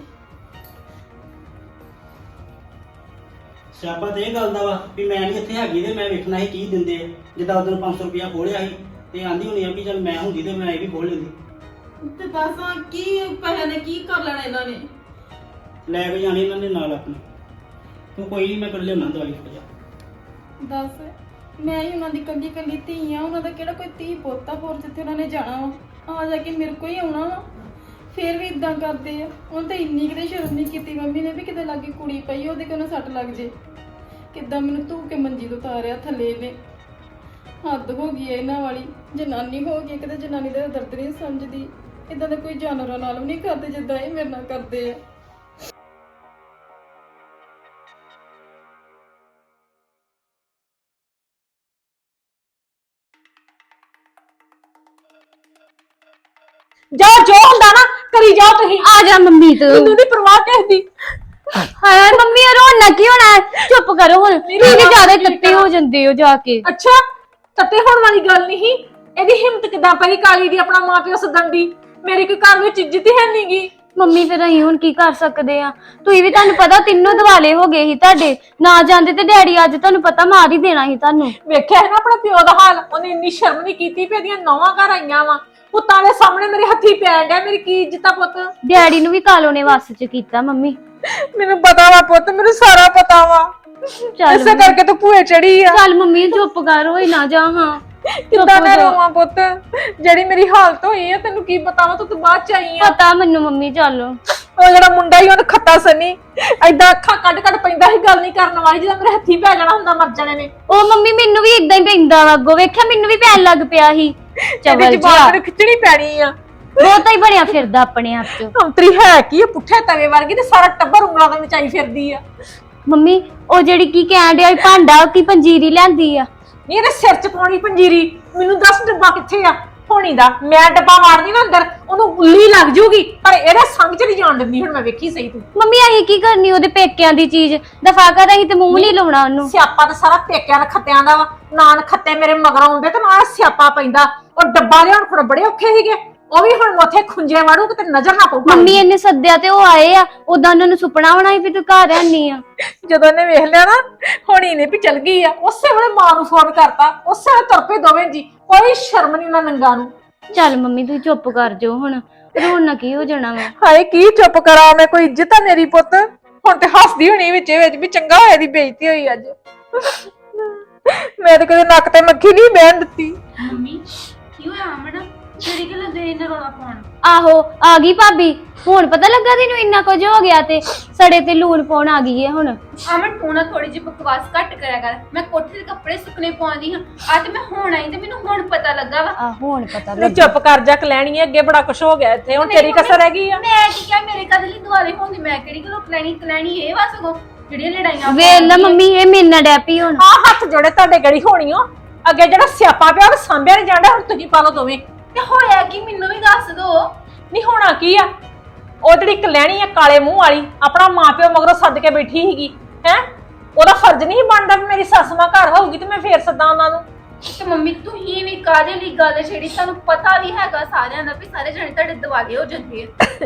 D: ਸਿਆਪਾ ਤੇ ਇਹ ਗੱਲ ਦਾ ਵਾ ਵੀ ਮੈਂ ਨਹੀਂ ਇੱਥੇ ਹੈਗੀ ਤੇ ਮੈਂ ਵੇਖਣਾ ਸੀ ਕੀ ਦਿੰਦੇ ਆ ਜਿੱਦਾਂ ਉਦੋਂ 500 ਰੁਪਇਆ ਖੋਲਿਆ ਸੀ ਤੇ ਆਂਦੀ ਹੋਣੀ ਆ ਵੀ ਚੱਲ ਮੈਂ ਹੁੰਦੀ ਤੇ ਮੈਂ ਇਹ ਵੀ ਖੋਲ ਲੈਂਦੀ
E: ਤੇ ਦੱਸਾਂ ਕੀ ਪੈਸੇ ਨੇ ਕੀ ਕਰ ਲੈਣਾ ਇਹਨਾਂ ਨੇ
D: ਲੈ ਕੇ ਜਾਣੀ ਇਹਨਾਂ ਦੇ ਨਾਲ ਆਪਣੇ ਤੂੰ ਕੋਈ ਨਹੀਂ ਮੈਂ ਕਰ ਲਿਆਉਣਾ ਦਵਾਈ ਹੋ ਜਾ
E: ਦੱਸ ਮੈਂ ਹੀ ਉਹਨਾਂ ਦੀ ਕੱਲੀ ਕੱਲੀ ਧੀ ਆ ਉਹਨਾਂ ਦਾ ਕਿਹੜਾ ਕੋਈ ਧੀ ਪੋਤਾ ਹੋਰ ਜਿੱਥੇ ਉਹਨਾਂ ਨੇ ਜਾਣਾ ਵਾ ਆ ਜਾ ਕੇ ਮੇਰੇ ਕੋਲ ਹੀ ਆਉਣਾ ਵਾ ਫੇਰ ਵੀ ਇਦਾਂ ਕਰਦੇ ਆ ਉਹਨੇ ਤਾਂ ਇੰਨੀ ਕਿਤੇ ਸ਼ਰਮ ਨਹੀਂ ਕੀਤੀ ਮੰਮੀ ਨੇ ਵੀ ਕਿਤੇ ਲਾਗੇ ਕੁੜੀ ਪਈ ਉਹਦੇ ਕੋਲ ਸੱਟ ਲੱਗ ਜੇ ਕਿੱਦਾਂ ਮੈਨੂੰ ਧੂ ਕੇ ਮੰਜੀ ਤੋਂ ਉਤਾਰਿਆ ਥੱਲੇ ਨੇ ਹੱਦ ਹੋ ਗਈ ਹੈ ਇਹਨਾਂ ਵਾਲੀ ਜਨਾਨੀ ਹੋ ਗਈ ਕਿਤੇ ਜਨਾਨੀ ਦਾ ਦਰਦ ਨਹੀਂ ਸਮਝਦੀ ਇਦਾਂ ਦਾ ਕੋਈ ਜਾਨਵਰਾਂ ਨਾਲ ਵੀ ਨਹੀਂ ਕਰਦੇ ਜਿੱਦਾਂ ਇਹ ਮੇਰੇ ਨਾਲ ਕਰਦੇ ਆ
A: ਜਾਓ ਜੋ ਹੁੰਦਾ ਨਾ ਕਰੀ ਜਾਓ ਤੁਸੀਂ।
C: ਆ ਜਾ ਮੰਮੀ ਤੂੰ।
A: ਮੈਨੂੰ ਨਹੀਂ ਪਰਵਾਹ ਕਿਸੇ ਦੀ।
C: ਹਾਏ ਮੰਮੀ ਇਹ ਰੋਣਾ ਕੀ ਹੋਣਾ ਹੈ? ਚੁੱਪ ਕਰੋ ਹੁਣ, ਤੁਸੀਂ ਵੀ ਜ਼ਿਆਦਾ ਤੱਤੇ ਹੋ ਜਾਂਦੇ ਹੋ ਜਾ ਕੇ।
A: ਅੱਛਾ ਤੱਤੇ ਹੋਣ ਵਾਲੀ ਗੱਲ ਨਹੀਂ। ਇਹਦੀ ਹਿੰਮਤ ਕਿੱਦਾਂ ਪਈ ਕਾਲੀ ਦੀ ਆਪਣਾ ਮਾਪਿਓ ਸੱਦਣ ਦੀ? ਮੇਰੀ ਕੋਈ ਘਰ ਵਿੱਚ ਇੱਜ਼ਤ ਹੀ ਹੈ ਨਹੀਂਗੀ।
C: ਮੰਮੀ ਫਿਰ ਅਸੀਂ ਹੁਣ ਕੀ ਕਰ ਸਕਦੇ ਆ? ਤੁਸੀਂ ਵੀ ਤੁਹਾਨੂੰ ਪਤਾ ਤਿੰਨੋਂ ਦਿਵਾਲੇ ਹੋ ਗਏ ਸੀ ਤੁਹਾਡੇ, ਨਾ ਜਾਂਦੇ ਤੇ ਡੈਡੀ ਅੱਜ ਤੁਹਾਨੂੰ ਪਤਾ ਮਾਰ ਹੀ ਦੇਣਾ ਸੀ ਤੁਹਾਨੂੰ।
A: ਵੇਖਿਆ ਹੈ ਨਾ ਆਪਣਾ ਪਿਓ ਦਾ ਹਾਲ। ਉਹਨੇ ਇੰਨੀ ਸ਼ਰਮ ਨਹੀਂ ਕੀਤੀ ਵੀ ਇਹਦੀਆਂ ਨੌਵਾਂ ਘਰ ਆਈਆਂ ਵਾ। ਪੁੱਤਾਂ ਦੇ ਸਾਹਮਣੇ ਮੇਰੇ ਹੱਥੀ ਪੈਣ ਡਿਆ। ਮੇਰੀ ਕੀ ਇੱਜ਼ਤ ਆ ਪੁੱਤ?
C: ਡੈਡੀ ਨੂੰ ਵੀ ਕਾਲੋ ਨੇ ਵੱਸ ਚ ਕੀਤਾ ਮੰਮੀ।
A: ਮੈਨੂੰ ਪਤਾ ਵਾ ਪੁੱਤ, ਮੈਨੂੰ ਸਾਰਾ ਪਤਾ ਵਾ।
C: ਚੱਲ
A: ਇਸੇ ਕਰਕੇ ਤੂੰ ਭੂਏ ਚੜੀ ਆ।
C: ਚੱਲ ਮੰਮੀ ਚੁੱਪ ਕਰ, ਹੋਈ ਨਾ ਜਾ। ਹਾਂ
A: ਕਿੱਦਾਂ ਮੈਂ ਰੋਵਾਂ ਪੁੱਤ? ਜਿਹੜੀ ਮੇਰੀ ਹਾਲਤ ਹੋਈ ਆ ਤੈਨੂੰ ਕੀ ਪਤਾ ਵਾ? ਤੂੰ ਬਾਅਦ ਚ ਆਈ ਆ।
C: ਪਤਾ ਮੈਨੂੰ ਮੰਮੀ। ਚੱਲ
A: ਉਹ ਜਿਹੜਾ ਮੁੰਡਾ ਹੀ ਉਹਨੂੰ ਖੱਤਾ ਸਨੀ ਏਦਾਂ ਅੱਖਾਂ ਕੱਢ ਪੈਂਦਾ ਸੀ, ਗੱਲ ਨਹੀਂ ਕਰਨ ਵਾਲੀ। ਜਦੋਂ ਮੇਰੇ ਹੱਥੀ ਪੈ ਜਾਣਾ ਹੁੰਦਾ ਮਰ ਜਾਣੇ ਨੇ।
C: ਉਹ ਮੰਮੀ ਮੈਨੂੰ ਵੀ ਇਦਾਂ ਹੀ ਪੈਂਦਾ ਵਾ, ਅੱਗੋਂ ਵੇਖਿਆ ਮੈਨੂੰ ਵੀ ਪੈਣ ਲੱਗ ਪਿਆ ਸੀ।
A: ਇਹਦੀ
C: ਚਵਲ
A: ਜ਼ਬਾਨ
C: ਜਿਹਾ
A: ਮੈਨੂੰ ਖਿੱਚਣੀ ਪੈਣੀ ਆ।
C: ਬਹੁਤਾ ਹੀ ਬਣਿਆ ਫਿਰਦਾ ਆਪਣੇ ਆਪ ਚ।
A: ਅੰਤਰੀ ਹੈ ਕੀ? ਪੁੱਠੇ ਤਵੇ ਵਰਗੀ ਤੇ ਸਾਰਾ ਟੱਬਰ ਉਂਗਲਾਂ ਦੇ ਵਿੱਚ ਆਈ ਫਿਰਦੀ ਆ।
C: ਮੰਮੀ ਉਹ ਜਿਹੜੀ ਕੀ ਕਹਿਣ ਡਿਆ ਭਾਂਡਾ ਕੀ ਪੰਜੀਰੀ ਲੈਂਦੀ ਆ?
A: ਨਹੀਂ ਇਹਦੇ ਸਿਰ ਚ ਪਾਉਣੀ ਪੰਜੀਰੀ। ਮੈਨੂੰ ਦੱਸ ਡੱਬਾ ਕਿੱਥੇ ਆ ਹੋਣੀ ਦਾ? ਮੈਂ ਡੱਬਾ ਮਾਰਨੀ ਨਾ ਅੰਦਰ, ਉਹਨੂੰ ਉੱਲੀ ਲੱਗ ਜੂਗੀ, ਪਰ ਇਹਦੇ ਸੰਗ ਚ ਨਹੀਂ ਜਾਣ ਦਿੰਦੀ। ਹੁਣ ਮੈਂ ਵੇਖੀ ਸਹੀ ਤੂੰ।
C: ਮੰਮੀ ਅਸੀਂ ਕੀ ਕਰਨੀ ਉਹਦੇ ਪੇਕਿਆਂ ਦੀ ਚੀਜ਼? ਦਫਾ ਕਰ, ਅਸੀਂ ਤੇ ਮੂੰਹ ਨਹੀਂ ਲਾਉਣਾ ਉਹਨੂੰ।
A: ਸਿਆਪਾ ਤਾਂ ਸਾਰਾ ਪੇਕਿਆਂ ਦੇ ਖੱਤਿਆਂ ਦਾ ਵਾ। ਨਾਨ ਖੱਤੇ ਮੇਰੇ ਮਗਰ ਆਉਂਦੇ ਤੇ ਨਾ ਸਿਆਪਾ ਪੈਂਦਾ। ਉਹ ਡੱਬਾ ਲਿਆਉਣ ਖੜ ਬੜੇ ਔਖੇ ਸੀਗੇ। ਉਹ ਵੀ ਹੁਣ ਉੱਥੇ ਖੁੰਝੇ ਵਾੜੂ ਕਿਤੇ ਨਜ਼ਰ ਨਾ ਪਊ।
C: ਮੰਮੀ ਇਹਨੇ ਸੱਦਿਆ ਤੇ ਉਹ ਆਏ ਆ, ਉਦਾਂ ਉਹਨਾਂ ਨੂੰ ਸੁਪਨਾ ਹੋਣਾ ਸੀ ਵੀ ਤੂੰ ਘਰ ਰਹਿਣੀ ਆ।
A: ਜਦੋਂ ਇਹਨੇ ਵੇਖ ਲਿਆ ਨਾ ਹੋਣੀ ਨੇ ਵੀ ਚਲ ਗਈ ਆ, ਉਸੇ ਵੇਲੇ ਮਾਂ ਨੂੰ ਫੋਨ ਕਰਤਾ। ਉਸੇ ਵੇਲੇ ਤੁਰ ਪਏ ਦੋਵੇਂ ਜੀ। ਕੋਈ ਸ਼ਰਮ ਨਹੀਂ ਉਹਨਾਂ ਨੰਗਾ ਨੂੰ।
C: ਚੱਲ ਮੰਮੀ ਤੂੰ ਚੁੱਪ ਕਰ ਜਾਓ ਹੁਣ, ਰੋਣਾ ਕੀ ਹੋ ਜਾਣਾ ਵਾ?
A: ਹਾਏ ਕੀ ਚੁੱਪ ਕਰਾਂ ਮੈਂ? ਕੋਈ ਇੱਜ਼ਤ ਆ ਮੇਰੀ ਪੁੱਤ? ਹੁਣ ਤੇ ਹੱਸਦੀ ਹੋਣੀ ਵਿੱਚ ਵੀ ਚੰਗਾ ਹੋਇਆ ਦੀ ਬੇਇੱਜ਼ਤੀ ਹੋਈ ਅੱਜ। ਮੈਂ ਤਾਂ ਕਦੇ ਨੱਕ ਤੇ ਮੱਖੀ ਨਹੀਂ ਬਹਿਣ ਦਿੱਤੀ।
H: ਮੰਮੀ ਕੀ ਹੋਇਆ ਅਮਨ? ਜਿਹੜੀ ਗੱਲ ਦੇ ਇਹਨਾਂ ਰੋਣਾ ਪਾਉਣ।
C: ਆਹੋ ਆ ਗਈ ਭਾਬੀ। ਹੁਣ ਪਤਾ ਲੱਗਾ ਤੈਨੂੰ ਇੰਨਾ ਕੁਝ ਹੋ ਗਿਆ ਤੇ ਸੜੇ ਤੇ ਲੂਣ ਪਾਉਣ ਆ ਗਈ ਹੈ ਹੁਣ।
H: ਅਮਨ ਤੂੰ ਨਾ ਥੋੜੀ ਜਿਹੀ ਬਕਵਾਸ ਘੱਟ ਕਰਿਆ ਕਰ। ਮੈਂ ਕੋਠੇ ਦੇ ਕੱਪੜੇ ਸੁੱਕਣੇ ਪਾਉਂਦੀ ਹਾਂ। ਅੱਜ ਮੈਂ ਹੁਣ ਆਈ ਤੇ ਮੈਨੂੰ ਹੁਣ ਪਤਾ ਲੱਗਾ ਵਾ।
C: ਆ ਹੁਣ ਪਤਾ
A: ਤੂੰ
C: ਲੱਗਾ।
A: ਚੁੱਪ ਕਰ ਜਾ ਕਲੈਣੀ, ਅੱਗੇ ਬੜਾ ਕੁਝ ਹੋ ਗਿਆ ਇੱਥੇ। ਹੁਣ ਤੇਰੀ ਕਸਰ ਰਹਿ ਗਈ ਆ।
H: ਮੈਂ ਕੀ ਕਿਹਾ? ਮੇਰੇ ਕਦ ਲਈ ਦੁਆਲੇ ਹੁੰਦੀ? ਮੈਂ ਕਿਹੜੀ ਗੱਲੋਂ ਕਲੈਣੀ ਇਹ ਵਾ ਸਗੋਂ ਜਿਹੜੀਆਂ ਲੜਾਈਆਂ
C: ਵੇਖ ਲੈ ਮੰਮੀ ਇਹ ਮੇਰੇ ਨਾਲ ਡੈ ਪਈ ਹੁਣ।
A: ਆ ਹੱਥ ਜੋੜੇ ਤੁਹਾਡੇ ਗੜੀ ਹੋਣੀ ਓ। ਅੱਗੇ ਜਿਹੜਾ ਸਿਆਪਾ ਪਿਆ ਉਹ ਸਾਂਭਿਆ ਨਹੀਂ ਜਾਂਦਾ। ਹੁਣ ਤੁਸੀਂ ਪਾ ਲਓ ਦੋਵੇਂ।
H: ਤੇ ਹੋਇਆ ਕੀ ਮੈਨੂੰ ਵੀ ਦੱਸ ਦੋ।
A: ਨਹੀਂ ਹੋਣਾ ਕੀ ਆ? ਉਹ ਜਿਹੜੀ ਕਲੈਣੀ ਆ ਕਾਲੇ ਮੂੰਹ ਵਾਲੀ, ਆਪਣਾ ਮਾਪਿਓ ਮਗਰੋਂ ਸੱਦ ਕੇ ਬੈਠੀ ਸੀਗੀ ਹੈ। ਉਹਦਾ ਫਰਜ਼ ਨਹੀਂ ਬਣਦਾ ਵੀ ਮੇਰੀ ਸੱਸ ਮਾਂ ਘਰ ਹੋਊਗੀ ਤੇ ਮੈਂ ਫੇਰ ਸੱਦਾਂ ਉਹਨਾਂ ਨੂੰ।
H: ਤੇ ਮੰਮੀ ਤੁਸੀਂ ਵੀ ਕਾਹਦੇ ਲਈ ਗੱਲ ਛੇੜੀ? ਤੁਹਾਨੂੰ ਪਤਾ ਵੀ ਹੈਗਾ ਸਾਰਿਆਂ ਦਾ ਵੀ ਸਾਰੇ ਜਣੇ ਤੁਹਾਡੇ ਦਿਵਾਲੇ ਹੋ ਜਾਂਦੇ ਆ।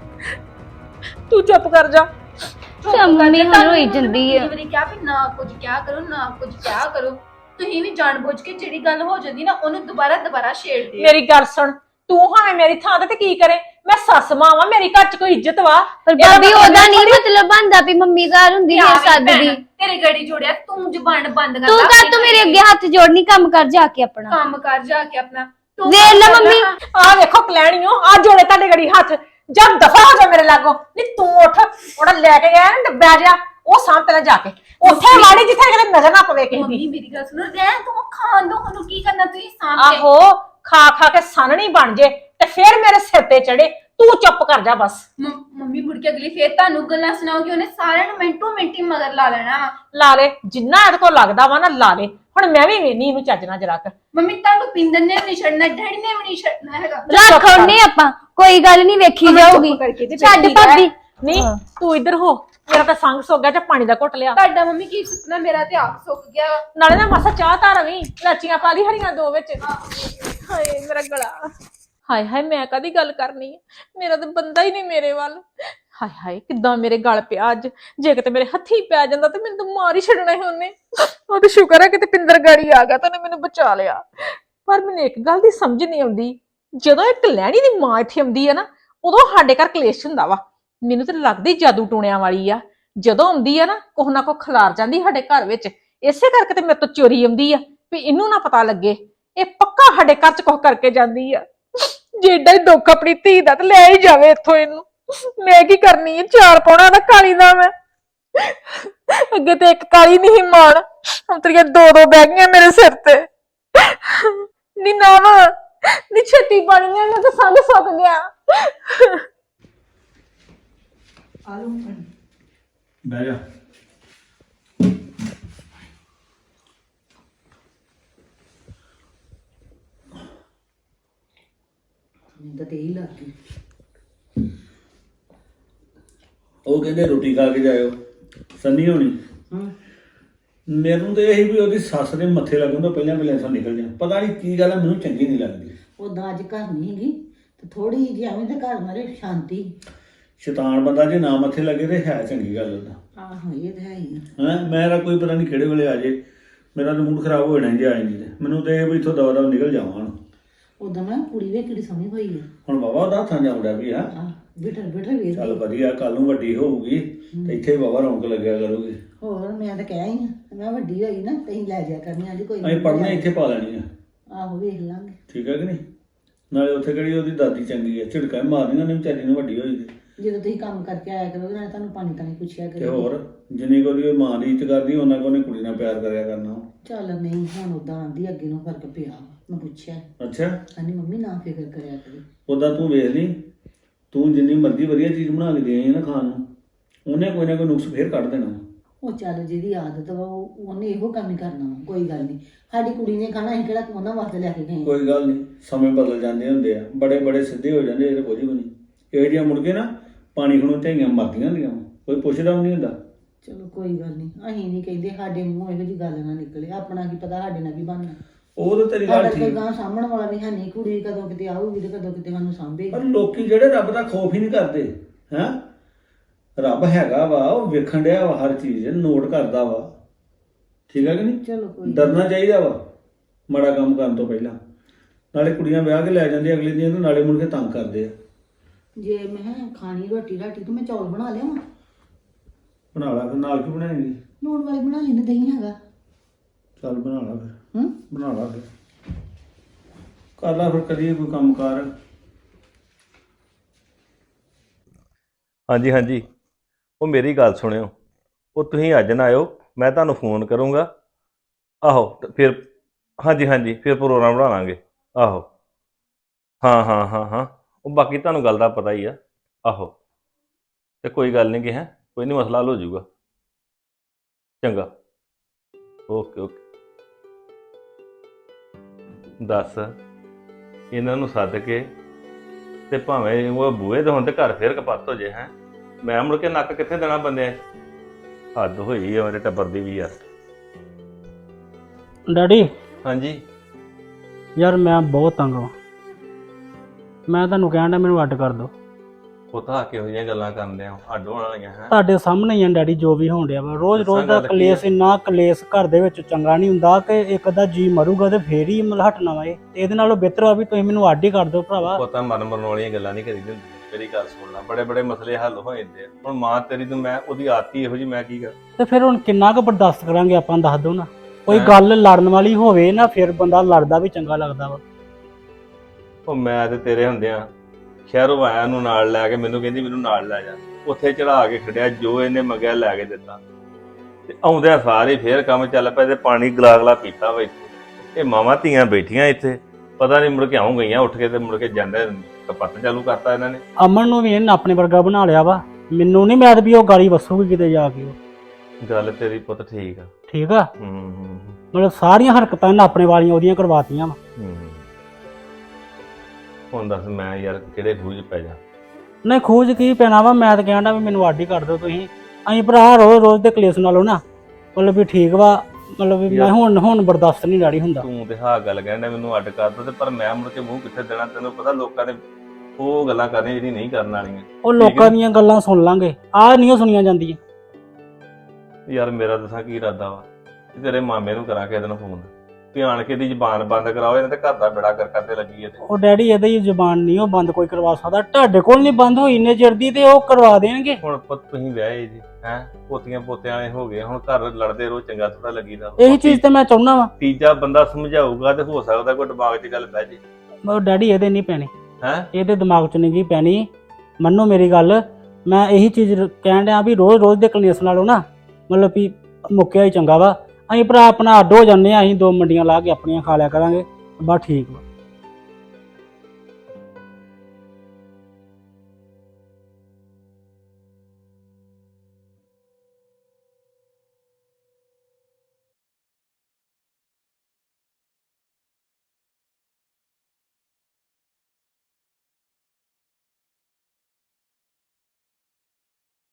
A: ਤੂੰ ਚੁੱਪ ਕਰ ਜਾ।
C: ਮੰਮੀ ਹੁਣ ਰੋਈ ਜਾਂਦੀ ਆ।
H: ਮੇਰੀ ਕਿਹਾ ਵੀ ਨਾ ਕੁਝ ਕਿਹਾ ਕਰੋ, ਨਾ ਕੁਝ ਕਿਹਾ ਕਰੋ। ਤੁਸੀਂ ਵੀ ਜਾਣਬੁੱਝ ਕੇ ਜਿਹੜੀ ਗੱਲ ਹੋ ਜਾਂਦੀ ਨਾ ਉਹਨੂੰ ਦੁਬਾਰਾ ਛੇੜਦੇ ਹੋ।
A: ਮੇਰੀ ਗੱਲ ਸੁਣ, ਤੂੰ ਭਾਵੇਂ ਮੇਰੀ ਥਾਂ ਤੇ ਕੀ ਕਰੇ, ਮੈਂ ਸੱਸ ਮਾਂ ਵਾਂ, ਮੇਰੀ ਘਰ ਚ ਕੋਈ ਇੱਜ਼ਤ ਵਾ।
C: ਪਰ ਭਾਬੀ ਉਹਦਾ ਨਹੀਂ ਮਤਲਬ ਬਣਦਾ ਵੀ ਮੰਮੀ ਘਰ ਹੁੰਦੀ ਹੈ ਸੱਦਦੀ।
H: ਤੇਰੇ ਗੜੀ ਜੋੜਿਆ ਤੂੰ ਜ਼ੁਬਾਨ ਬੰਦ ਕਰ।
C: ਤੂੰ ਕਰ, ਤੂੰ ਮੇਰੇ ਅੱਗੇ ਹੱਥ ਜੋੜਨੀ, ਕੰਮ ਕਰ ਜਾ ਕੇ ਆਪਣਾ।
H: ਕੰਮ ਕਰ ਜਾ ਕੇ ਆਪਣਾ।
C: ਵੇਖ ਲੈ ਮੰਮੀ।
A: ਆ ਵੇਖੋ ਕਲੈਣੀਓ, ਆ ਜੋੜੇ ਤੁਹਾਡੇ ਗੜੀ ਹੱਥ। ਜਦ ਦਫਾ ਹੋ ਜਾ ਮੇਰੇ ਲਾਗੋਂ। ਨਹੀਂ ਤੂੰ ਉੱਠ, ਉਹਦਾ ਲੈ ਕੇ ਗਿਆ ਨਾ ਡੱਬਾ ਜਿਹਾ, ਉਹ ਸਾਂਭ ਪਹਿਲਾਂ ਜਾ ਕੇ ਉੱਥੇ ਵਾੜੀ ਜਿੱਥੇ ਕਿਤੇ ਨਜ਼ਰ ਨਾ ਪਵੇ ਕਿਸੇ
H: ਮੰਮੀ
A: ਦੀ।
H: ਮੇਰੀ ਗੱਲ ਸੁਣੋ, ਰਹਿਣ ਤੂੰ ਖਾਣ ਦੋ ਉਹਨੂੰ। ਕੀ ਕਰਨਾ ਤੁਸੀਂ ਸਾਂਭ ਕੇ?
A: ਆਹੋ ਖਾ ਕੇ ਸਾਨਣੀ ਬਣ ਜੇ ਤੇ ਫੇਰ ਮੇਰੇ ਸਿਰ ਤੇ ਚੜੇ। ਤੂੰ ਚੁੱਪ ਕਰ ਜਾ ਬਸ।
H: ਮੰਮੀ ਮੁੜ ਕੇ ਅਗਲੀ ਫੇਰ ਤੁਹਾਨੂੰ ਗੱਲਾਂ ਸੁਣਾਉਗੀ। ਉਹਨੇ ਸਾਰਿਆਂ ਨੂੰ ਮਿੰਟੀ ਮਗਰ ਲਾ ਲੈਣਾ ਵਾ।
A: ਲਾ ਲੈ ਜਿੰਨਾ ਇਹਦੇ ਕੋਲ ਲੱਗਦਾ ਵਾ ਨਾ, ਲਾ ਲੈ। ਹੁਣ ਮੈਂ ਵੀ ਵੇਨੀ ਇਹਨੂੰ ਚੱਜਣਾ ਜਰਾ ਕਰ।
H: ਮੰਮੀ ਤੁਹਾਨੂੰ ਪਿੰਦਰ ਨੇ ਵੀ ਨਹੀਂ ਛੱਡਣਾ, ਡੈਡੀ ਨੇ ਵੀ ਨਹੀਂ ਛੱਡਣਾ ਹੈਗਾ।
C: ਰੱਖ ਉਹਨੇ ਆਪਾਂ, ਕੋਈ ਗੱਲ ਨਹੀਂ, ਵੇਖੀ ਜਾਊਗੀ। ਛੱਡ ਭਾਬੀ।
A: ਨਹੀਂ ਤੂੰ ਇੱਧਰ ਹੋ, ਮੇਰਾ ਤਾਂ ਸੰਗ ਸੁੱਕ ਗਿਆ ਤੇ ਪਾਣੀ ਦਾ ਘੁੱਟ ਲਿਆ।
H: ਤੁਹਾਡਾ ਮੰਮੀ ਕੀ ਸੁਪਨਾ? ਮੇਰਾ ਤੇ ਆਪ ਸੁੱਕ ਗਿਆ ਵਾ।
A: ਨਾਲੇ ਨਾ ਮਾਸਾ ਚਾਹ ਤਾਂ ਰਵੀ, ਲਾਚੀਆਂ ਪਾ ਲਈ ਹਰੀਆਂ ਦੋ ਵਿੱਚ। ਹਾਏ ਮੇਰਾ ਗਲਾ। ਹਾਏ ਹਾਏ ਮੈਂ ਕਦੀ ਗੱਲ ਕਰਨੀ ਹੈ? ਮੇਰਾ ਤਾਂ ਬੰਦਾ ਹੀ ਨਹੀਂ ਮੇਰੇ ਵੱਲ। ਹਾਏ ਹਾਏ ਕਿੱਦਾਂ ਮੇਰੇ ਗਲ ਪਿਆ ਅੱਜ। ਜੇ ਕਿਤੇ ਮੇਰੇ ਹੱਥੀ ਪੈ ਜਾਂਦਾ ਤੇ ਮੈਨੂੰ ਤਾਂ ਮਾਰ ਹੀ ਛੱਡਣਾ ਸੀ ਉਹਨੇ। ਉਹ ਤਾਂ ਸ਼ੁਕਰ ਹੈ ਕਿਤੇ ਪਿੰਦਰ ਗਾੜੀ ਆ ਗਿਆ ਤਾਂ ਉਹਨੇ ਮੈਨੂੰ ਬਚਾ ਲਿਆ। ਪਰ ਮੈਨੂੰ ਇੱਕ ਗੱਲ ਦੀ ਸਮਝ ਨਹੀਂ ਆਉਂਦੀ, ਜਦੋਂ ਇੱਕ ਲੈਣੀ ਦੀ ਮਾਂ ਇੱਥੇ ਆਉਂਦੀ ਹੈ ਨਾ, ਉਦੋਂ ਸਾਡੇ ਘਰ ਕਲੇਸ਼ ਹੁੰਦਾ ਵਾ। ਮੈਨੂੰ ਤਾਂ ਲੱਗਦੀ ਜਾਦੂ ਟੂਣਿਆਂ ਵਾਲੀ ਆ। ਜਦੋਂ ਆਉਂਦੀ ਆ ਨਾ ਕੁਛ ਨਾ ਕੁਛ ਖਿਲਾਰ ਜਾਂਦੀ ਸਾਡੇ ਘਰ ਵਿੱਚ। ਇਸੇ ਕਰਕੇ ਤੇ ਮੇਰੇ ਤੋਂ ਚੋਰੀ ਆਉਂਦੀ ਆ ਵੀ ਇਹਨੂੰ ਨਾ ਪਤਾ ਲੱਗੇ। ਇਹ ਪੱਕਾ ਸਾਡੇ ਘਰ ਚ ਕੁਛ ਕਰਕੇ ਜਾਂਦੀ ਆ। ਜੇ ਏਡਾ ਹੀ ਦੁੱਖ ਆਪਣੀ ਧੀ ਦਾ ਤੇ ਲੈ ਹੀ ਜਾਵੇ ਇੱਥੋਂ ਇਹਨੂੰ। ਮੈਂ ਕੀ ਕਰਨੀ ਹੈ? ਚਾਰ ਪਾਉਣਾ ਦਾ ਕਾਲੀ ਦਾ ਮੈਂ। ਅੱਗੇ ਤੇ ਇੱਕ ਕਾਲੀ ਨਹੀਂ ਮਾਣ, ਹੁਣ ਤੇਰੀਆਂ ਦੋ ਬਹਿ ਗਈਆਂ ਮੇਰੇ ਸਿਰ ਤੇ। ਨੀ ਨਾ ਨੀ ਛੇਤੀ ਬਣ ਗਿਆ, ਮੈਂ ਤਾਂ ਸੰਗ ਸੁੱਕ ਗਿਆ।
B: ਬਹਿ ਜਾ।
I: ਮੈਨੂੰ ਤਾਂ ਇਹੀ ਲੱਗ ਗਈ।
J: ਉਹ ਕਹਿੰਦੇ ਰੋਟੀ ਖਾ ਕੇ ਜਾਇਓ ਸੰਨੀ ਹੋਣੀ।
I: ਹਾਂ
J: ਮੈਨੂੰ ਤੇ ਇਹੀ ਵੀ ਉਹਦੀ ਸੱਸ ਦੇ ਮੱਥੇ ਲੱਗਣ ਤੋਂ ਪਹਿਲਾਂ ਪਹਿਲਾਂ ਇੱਥੋਂ ਨਿਕਲ ਜਾ। ਪਤਾ ਨਹੀਂ ਕੀ ਗੱਲ ਆ, ਮੈਨੂੰ ਚੰਗੀ ਨਹੀਂ ਲੱਗਦੀ।
I: ਉਦਾਂ ਅੱਜ ਘਰ ਨਹੀਂ ਹੈਗੀ ਤੇ ਥੋੜੀ ਜਿਹੀ ਐਵੇਂ ਤੇ ਘਰ ਮਾਰੇ ਸ਼ਾਂਤੀ।
J: ਸ਼ੈਤਾਨ ਬੰਦਾ ਜੇ ਨਾ ਮੱਥੇ ਲੱਗੇ ਤੇ ਹੈ ਚੰਗੀ ਗੱਲ ਉਹਦਾ।
I: ਆਹੋ ਇਹ ਤਾਂ ਹੈ ਹੀ ਆ।
J: ਹੈਂ ਮੇਰਾ ਕੋਈ ਪਤਾ ਨਹੀਂ ਕਿਹੜੇ ਵੇਲੇ ਆ ਜੇ, ਮੇਰਾ ਤਾਂ ਮੂਡ ਖਰਾਬ ਹੋ ਜਾਣਾ ਜੇ ਆਏ ਨਹੀਂ ਤੇ। ਮੈਨੂੰ ਤੇ ਇਹ ਵੀ ਇੱਥੋਂ ਦਵਾ ਦਵਾ ਨਿਕਲ ਜਾਵਾਂ ਹੁਣ।
I: ਉਦਾਂ ਮੈਂ ਕੁੜੀ ਵੇ ਕਿਹੜੀ ਸੋਹਣੀ ਹੋਈ ਆ।
J: ਹੁਣ ਬਾਬਾ ਉਹਦਾ ਹੱਥਾਂ ਜਾਉਂਦਾ ਵੀ ਆ।
I: ਆਹ ਬਿਟਰ ਬਿਟਰ ਵੇਖ
J: ਚੱਲ ਵਧੀਆ, ਕੱਲ ਨੂੰ ਵੱਡੀ ਹੋਊਗੀ ਤੇ ਇੱਥੇ ਬਾਬਾ ਰੌਣਕ ਲੱਗਿਆ ਕਰੂਗੀ।
I: ਹੋਰ ਮੈਂ ਤਾਂ ਕਹਿ ਹੀ ਆ ਮੈਂ ਵੱਡੀ ਹੋਈ ਨਾ ਤੈਨੂੰ ਲੈ ਜਾ ਕਰਨੀ ਆਂਦੀ ਕੋਈ
J: ਅਸੀਂ ਪੜ੍ਹਨੇ ਇੱਥੇ ਪਾ ਲੈਣੀ ਆ।
I: ਆਹੋ ਵੇਖ ਲਾਂਗੇ।
J: ਠੀਕ ਹੈ ਕਿ ਨਹੀਂ? ਨਾਲੇ ਉੱਥੇ ਕਿਹੜੀ ਉਹਦੀ ਦਾਦੀ ਚੰਗੀ ਆ, ਝਿੜਕਾਂ ਮਾਰਨੀਆਂ ਨੇ ਵਿਚਾਰੀ ਨੂੰ ਵੱਡੀ ਹੋਈ ਤੇ।
I: ਜਦੋਂ ਤੁਸੀਂ ਕੰਮ ਕਰਕੇ ਆਇਆ ਕਰੋਗੇ ਨਾਲੇ ਤੁਹਾਨੂੰ ਪਾਣੀ ਤਾਂ ਨਹੀਂ ਪੁੱਛਿਆ
J: ਤੇ
I: ਕਰੋ।
J: ਹੋਰ ਜਿੰਨੀ ਕੋ ਦੀ ਮਾਂ ਦੀ ਇੱਜ਼ਤ ਕਰਦੀ ਉਹਨਾਂ ਕੋ ਨੇ ਕੁੜੀ ਨਾਲ ਪਿਆਰ ਕਰਿਆ ਕਰਨਾ।
I: ਚੱਲ ਨਹੀਂ ਹੁਣ ਉਦਾਂ ਆਂਦੀ ਅੱਗੇ ਨੂੰ ਫਰਕ ਪਿਆ ਮੈਂ ਪੁੱਛਿਆ।
J: ਅੱਛਾ
I: ਕਹਿੰਦੀ ਮੰਮੀ ਨਾ ਫਿਕਰ ਕਰਿਆ ਕਰੀ।
J: ਉਦਾਂ ਤੂੰ ਵੇਖ ਲਈ, ਤੂੰ ਜਿੰਨੀ ਮਰਜ਼ੀ ਵਧੀਆ ਚੀਜ਼ ਬਣਾ ਕੇ ਦੇ ਆਈ ਨਾ ਖਾਣ ਨੂੰ, ਉਹਨੇ ਕੋਈ ਨਾ ਕੋਈ ਨੁਕਸ ਫੇਰ ਕੱਢ ਦੇਣਾ।
I: ਉਹ ਚੱਲ ਜਿਹਦੀ ਆਦਤ ਵਾ ਉਹਨੇ ਇਹੋ ਕੰਮ ਹੀ ਕਰਨਾ ਵਾ, ਕੋਈ ਗੱਲ ਨਹੀਂ। ਸਾਡੀ ਕੁੜੀ ਨੇ ਖਾਣਾ ਅਸੀਂ ਕਿਹੜਾ ਉਹਨਾਂ ਵਾਸਤੇ ਲੈ ਕੇ ਗਏ।
J: ਕੋਈ ਗੱਲ ਨਹੀਂ, ਸਮੇਂ ਬਦਲ ਜਾਂਦੇ ਹੁੰਦੇ ਆ, ਬੜੇ ਬੜੇ ਸਿੱਧੇ ਹੋ ਜਾਂਦੇ, ਇਹ ਤਾਂ ਕੁਝ ਵੀ ਨਹੀਂ। ਇਹ ਜਿਹੀਆਂ ਮੁੜ ਕੇ ਨਾ ਪਾਣੀ ਖਣੋਂ ਝਾਈਆਂ ਮਰਦੀਆਂ ਹੁੰਦੀਆਂ, ਕੋਈ ਪੁੱਛਦਾ ਵੀ ਨਹੀਂ ਹੁੰਦਾ।
I: ਚਲੋ ਕੋਈ ਗੱਲ ਨਹੀਂ, ਅਸੀਂ ਨਹੀਂ ਕਹਿੰਦੇ ਸਾਡੇ ਮੂੰਹੋਂ ਇਹੋ ਜਿਹੀ ਗੱਲ ਨਾ ਨਿਕਲੇ। ਆਪਣਾ ਕੀ ਪਤਾ ਸਾਡੇ ਨਾਲ ਕੀ ਬਣਨਾ।
J: ਉਹ ਤਾਂ ਤੇਰੀ ਗੱਲ
I: ਸਾਡਾ ਕੋਈ
J: ਠੀਕ,
I: ਗਾਂ ਸਾਂਭਣ ਵਾਲਾ ਵੀ ਹੈ ਨਹੀਂ। ਕੁੜੀ ਕਦੋਂ ਕਿਤੇ ਆਊਗੀ ਤੇ ਕਦੋਂ ਕਿਤੇ ਸਾਨੂੰ ਸਾਂਭੇਗੀ।
J: ਪਰ ਲੋਕੀ ਜਿਹੜੇ ਰੱਬ ਦਾ ਖੌਫ ਹੀ ਨਹੀਂ ਕਰਦੇ। ਹੈਂ ਰੱਬ ਹੈਗਾ ਵਾ, ਉਹ ਵੇਖਣ ਡਿਆ ਵਾ, ਹਰ ਚੀਜ਼ ਨੋਟ ਕਰਦਾ ਵਾ। ਠੀਕ ਹੈ ਕਿ ਨਹੀਂ?
I: ਚਲੋ ਕੋਈ
J: ਡਰਨਾ ਚਾਹੀਦਾ ਵਾ ਮਾੜਾ ਕੰਮ ਕਰਨ ਤੋਂ ਪਹਿਲਾਂ। ਨਾਲੇ ਕੁੜੀਆਂ ਵਿਆਹ ਕੇ ਲੈ ਜਾਂਦੀਆਂ ਅਗਲੇ ਦਿਨ, ਨਾਲੇ ਮੁੜ ਕੇ ਤੰਗ ਕਰਦੇ ਆ।
I: ਜੇ ਮੈਂ ਖਾਣੀ ਰੋਟੀ ਰਾਟੀ ਤੇ ਮੈਂ ਚੌਲ ਬਣਾ ਲਿਆਵਾਂ।
J: ਬਣਾ ਲਾ ਫਿਰ, ਨਾਲ ਕੀ ਬਣਾਏਗੀ?
I: ਲੂਣ ਵਾਲੀ ਬਣਾ ਲੈਂਦੇ, ਦਹੀਂ ਹੈਗਾ।
J: ਚੱਲ ਬਣਾ ਲਾ ਫਿਰ,
I: ਹੂੰ
J: ਬਣਾ ਲਾ ਫਿਰ, ਕਰ ਲਾ ਫਿਰ, ਕਰੀਏ ਕੋਈ ਕੰਮ ਕਾਰ।
B: ਹਾਂਜੀ ਹਾਂਜੀ, ਉਹ ਮੇਰੀ ਗੱਲ ਸੁਣਿਓ, ਉਹ ਤੁਸੀਂ ਅੱਜ ਨਾ ਆਇਓ, ਮੈਂ ਤੁਹਾਨੂੰ ਫੋਨ ਕਰੂੰਗਾ। ਆਹੋ ਤੇ ਫਿਰ ਹਾਂਜੀ ਹਾਂਜੀ, ਫਿਰ ਪ੍ਰੋਗਰਾਮ ਬਣਾ ਲਾਂਗੇ। ਆਹੋ ਹਾਂ ਹਾਂ ਹਾਂ ਹਾਂ, ਉਹ ਬਾਕੀ ਤੁਹਾਨੂੰ ਗੱਲ ਦਾ ਪਤਾ ਹੀ ਆ। ਆਹੋ ਤੇ ਕੋਈ ਗੱਲ ਨਹੀਂ ਕਿ ਹੈ, ਕੋਈ ਨਹੀਂ, ਮਸਲਾ ਹੱਲ ਹੋ ਜਾਊਗਾ। ਚੰਗਾ, ਓਕੇ ਓਕੇ। ਦੱਸ ਇਹਨਾਂ ਨੂੰ ਸੱਦ ਕੇ ਤੇ ਭਾਵੇਂ ਉਹ ਬੂਹੇ ਦੇ ਹੁਣ ਤੇ ਘਰ ਫੇਰ ਕਪੱਤ ਹੋ ਜੇ। ਹੈ ਮੈਂ ਮੁੜ ਕੇ ਨੱਕ ਕਿੱਥੇ ਦੇਣਾ ਬੰਦਿਆਂ 'ਚ? ਹੱਦ ਹੋਈ ਆ ਮੇਰੇ ਟੱਬਰ ਦੀ ਵੀ ਯਾਰ।
D: ਡੈਡੀ
B: ਹਾਂਜੀ
D: ਯਾਰ ਮੈਂ ਬਹੁਤ ਤੰਗ ਹਾਂ। ਮੈਂ ਤੁਹਾਨੂੰ ਕਹਿਣ ਡਿਆ ਮੈਨੂੰ ਅੱਡ ਕਰ ਦਿਓ।
B: ਉਹ ਤਾਂ ਕਿਹੋ ਜਿਹੀਆਂ ਗੱਲਾਂ ਕਰਦੇ ਆ, ਅੱਡ ਹੋਣ ਵਾਲੀਆਂ। ਹੈ
D: ਤੁਹਾਡੇ ਸਾਹਮਣੇ ਹੀ ਆ ਡੈਡੀ ਜੋ ਵੀ ਹੋਣ ਡਿਆ ਵਾ। ਰੋਜ਼ ਰੋਜ਼ ਦਾ
B: ਦੱਸਾਂ ਗੱਲ ਕੀ
D: ਕਲੇਸ਼, ਇੰਨਾ ਕਲੇਸ਼ ਘਰ ਦੇ ਵਿੱਚ ਚੰਗਾ ਨਹੀਂ ਹੁੰਦਾ ਕਿ ਇੱਕ ਅੱਧਾ ਜੀ ਮਰੂਗਾ ਤੇ ਫੇਰ ਹੀ ਮਤਲਬ ਹਟਣਾ ਵਾ। ਇਹਦੇ ਨਾਲੋਂ ਬਿਹਤਰ ਆ ਵੀ ਤੁਸੀਂ ਮੈਨੂੰ ਅੱਡ ਹੀ ਕਰ ਦਿਓ ਭਰਾਵਾ।
B: ਪਤਾ ਮਰਨ ਵਾਲੀਆਂ ਗੱਲਾਂ ਨਹੀਂ ਕਰੀ ਹੁੰਦੀਆਂ। ਮੇਰੀ ਗੱਲ ਸੁਣਨਾ, ਬੜੇ ਬੜੇ ਮਸਲੇ ਹੱਲ ਹੋ ਜਾਂਦੇ ਆ। ਹੁਣ ਮਾਂ ਤੇਰੀ ਨੂੰ ਮੈਂ ਉਹਦੀ ਆਦਤੀ ਇਹੋ ਜਿਹੀ, ਮੈਂ ਕੀ ਕਰ।
D: ਤੇ ਫਿਰ ਹੁਣ ਕਿੰਨਾ ਕੁ ਬਰਦਾਸ਼ਤ ਕਰਾਂਗੇ ਆਪਾਂ, ਦੱਸ ਦਿਓ ਨਾ। ਕੋਈ
B: ਹੈਂ?
D: ਗੱਲ ਲੜਨ ਵਾਲੀ ਹੋਵੇ ਨਾ, ਫਿਰ ਬੰਦਾ ਲੜਦਾ ਵੀ ਚੰਗਾ ਲੱਗਦਾ ਵਾ।
B: ਉਹ ਮੈਂ ਤੇ ਤੇਰੇ ਹੁੰਦਿਆਂ ਸ਼ਹਿਰੋਂ ਆਇਆ ਨੂੰ ਨਾਲ ਲੈ ਕੇ, ਮੈਨੂੰ ਕਹਿੰਦੀ ਮੈਨੂੰ ਨਾਲ ਲੈ ਜਾ। ਉੱਥੇ ਚੜਾ ਕੇ ਖੜਿਆ, ਜੋ ਇਹਨੇ ਮੰਗਿਆ ਲੈ ਕੇ ਦਿੱਤਾ। ਤੇ ਆਉਂਦਿਆਂ ਸਾਰੇ ਫੇਰ ਕੰਮ ਚੱਲ ਪਿਆ ਤੇ ਪਾਣੀ ਗਲਾਗਲਾ ਪੀਤਾ ਵਾ ਇੱਥੇ। ਇਹ ਮਾਵਾਂ ਧੀਆਂ ਬੈਠੀਆਂ ਇੱਥੇ, ਪਤਾ ਨਹੀਂ ਮੁੜ ਕੇ ਆਉਂ ਗਈਆਂ ਉੱਠ ਕੇ ਤੇ ਮੁੜ ਕੇ ਜਾਂਦੇ ਕਪੱਤ ਚਾਲੂ ਕਰਤਾ ਇਹਨਾਂ ਨੇ।
D: ਅਮਨ ਨੂੰ ਵੀ ਇਹਨੇ ਆਪਣੇ ਵਰਗਾ ਬਣਾ ਲਿਆ ਵਾ। ਮੈਨੂੰ ਨਹੀਂ ਮੈਂ ਵੀ ਉਹ ਗਾਲੀ ਵਸੂਗੀ ਕਿਤੇ ਜਾ ਕੇ।
B: ਗੱਲ ਤੇਰੀ ਪੁੱਤ ਠੀਕ ਆ।
D: ਠੀਕ ਆ,
B: ਹੂੰ
D: ਮਤਲਬ ਸਾਰੀਆਂ ਹਰਕਤਾਂ ਇਹਨੇ ਆਪਣੇ ਵਾਲੀਆਂ ਉਹਦੀਆਂ ਕਰਵਾਤੀਆਂ ਵਾ।
B: ਹੁਣ ਦੱਸ ਮੈਂ ਯਾਰ ਕਿਹੜੇ ਖੂਜ ਪੈ ਜਾ।
D: ਨਹੀਂ ਖੋਜ ਕੀ ਪੈਣਾ ਵਾ, ਮੈਂ ਤਾਂ ਕਹਿੰਦਾ ਵੀ ਮੈਨੂੰ ਅੱਡ ਹੀ ਕਰ ਦਿਓ ਤੁਸੀਂ। ਅਸੀਂ ਭਰਾ ਰੋਜ਼ ਰੋਜ਼ ਦੇ ਕਲੇਸ਼ ਨਾਲੋਂ ਨਾ ਮਤਲਬ ਵੀ ਠੀਕ ਵਾ, ਮਤਲਬ ਵੀ ਮੈਂ ਹੁਣ ਬਰਦਾਸ਼ਤ ਨਹੀਂ ਡੈਡੀ ਹੁੰਦਾ।
B: ਤੂੰ ਤੇ ਹਾਂ ਗੱਲ ਕਹਿੰਦਾ ਮੈਨੂੰ ਅੱਡ ਕਰ ਦੋ, ਤੇ ਪਰ ਮੈਂ ਮੁੜ ਕੇ ਮੂੰਹ ਕਿੱਥੇ ਦੇਣਾ? ਤੈਨੂੰ ਪਤਾ ਲੋਕਾਂ ਨੇ ਉਹ ਗੱਲਾਂ ਕਰਨੀਆਂ ਜਿਹੜੀ ਨਹੀਂ ਕਰਨ ਵਾਲੀਆਂ।
D: ਉਹ ਲੋਕਾਂ ਦੀਆਂ ਗੱਲਾਂ ਸੁਣ ਲਾਂਗੇ, ਆਹ ਨਹੀਂ ਸੁਣੀਆਂ ਜਾਂਦੀਆਂ।
B: ਯਾਰ ਮੇਰਾ ਦੱਸਾਂ ਕੀ ਇਰਾਦਾ ਵਾ, ਤੇਰੇ ਮਾਮੇ ਨੂੰ ਕਰਾਂ ਕਿਸੇ ਦਿਨ ਫੋਨ, ਧਿਆਨ ਕੇ ਦੀ ਜ਼ਬਾਨ ਬੰਦ ਕਰਾਓ, ਇਹਨਾਂ ਤੇ ਘਰ ਦਾ ਬੇੜਾ ਕਰਦੇ ਲੱਗੀ।
D: ਉਹ ਡੈਡੀ ਇਹਦੀ ਹੀ ਜ਼ਬਾਨ ਨਹੀਂ ਉਹ ਬੰਦ ਕੋਈ ਕਰਵਾ ਸਕਦਾ। ਤੁਹਾਡੇ ਕੋਲ ਨਹੀਂ ਬੰਦ ਹੋਈ ਇੰਨੇ ਚਿਰ ਦੀ, ਤੇ ਉਹ ਕਰਵਾ ਦੇਣਗੇ।
B: ਹੁਣ ਪੁੱਤ ਤੁਸੀਂ ਵਿਆਹੇ ਜੀ, ਹੈ ਪੋਤੀਆਂ ਪੋਤਿਆਂ ਵਾਲੇ ਹੋ ਗਏ, ਹੁਣ ਘਰ ਲੜਦੇ ਰੋ ਚੰਗਾ ਥੋੜਾ ਲੱਗੀਦਾ।
D: ਇਹੀ ਚੀਜ਼ ਤੇ ਮੈਂ ਚਾਹੁੰਦਾ ਵਾ।
B: ਤੀਜਾ ਬੰਦਾ ਸਮਝਾਊਗਾ ਤੇ ਹੋ ਸਕਦਾ ਕੋਈ ਦਿਮਾਗ 'ਚ ਗੱਲ ਪੈ ਜੇ।
D: ਉਹ ਡੈਡੀ ਇਹਦੇ ਨਹੀਂ ਪੈਣੀ,
B: ਹੈ
D: ਇਹਦੇ ਦਿਮਾਗ 'ਚ ਨਹੀਂ ਪੈਣੀ। ਮੰਨੋ ਮੇਰੀ ਗੱਲ, ਮੈਂ ਇਹੀ ਚੀਜ਼ ਕਹਿਣ ਡਿਆ ਵੀ ਰੋਜ਼ ਰੋਜ਼ ਦੇ ਕਲੇਸ਼ ਨਾਲੋਂ ਨਾ ਮਤਲਬ ਵੀ ਮੁੱਕਿਆ ਹੀ ਚੰਗਾ ਵਾ। ਅਸੀਂ ਭਰਾ ਆਪਣਾ ਅੱਡ ਹੋ ਜਾਂਦੇ ਆ, ਅਸੀਂ ਦੋ ਮੰਡੀਆਂ ਲਾ ਕੇ ਆਪਣੀਆਂ ਖਾ ਲਿਆ ਕਰਾਂਗੇ, ਬਸ ਠੀਕ ਵਾ।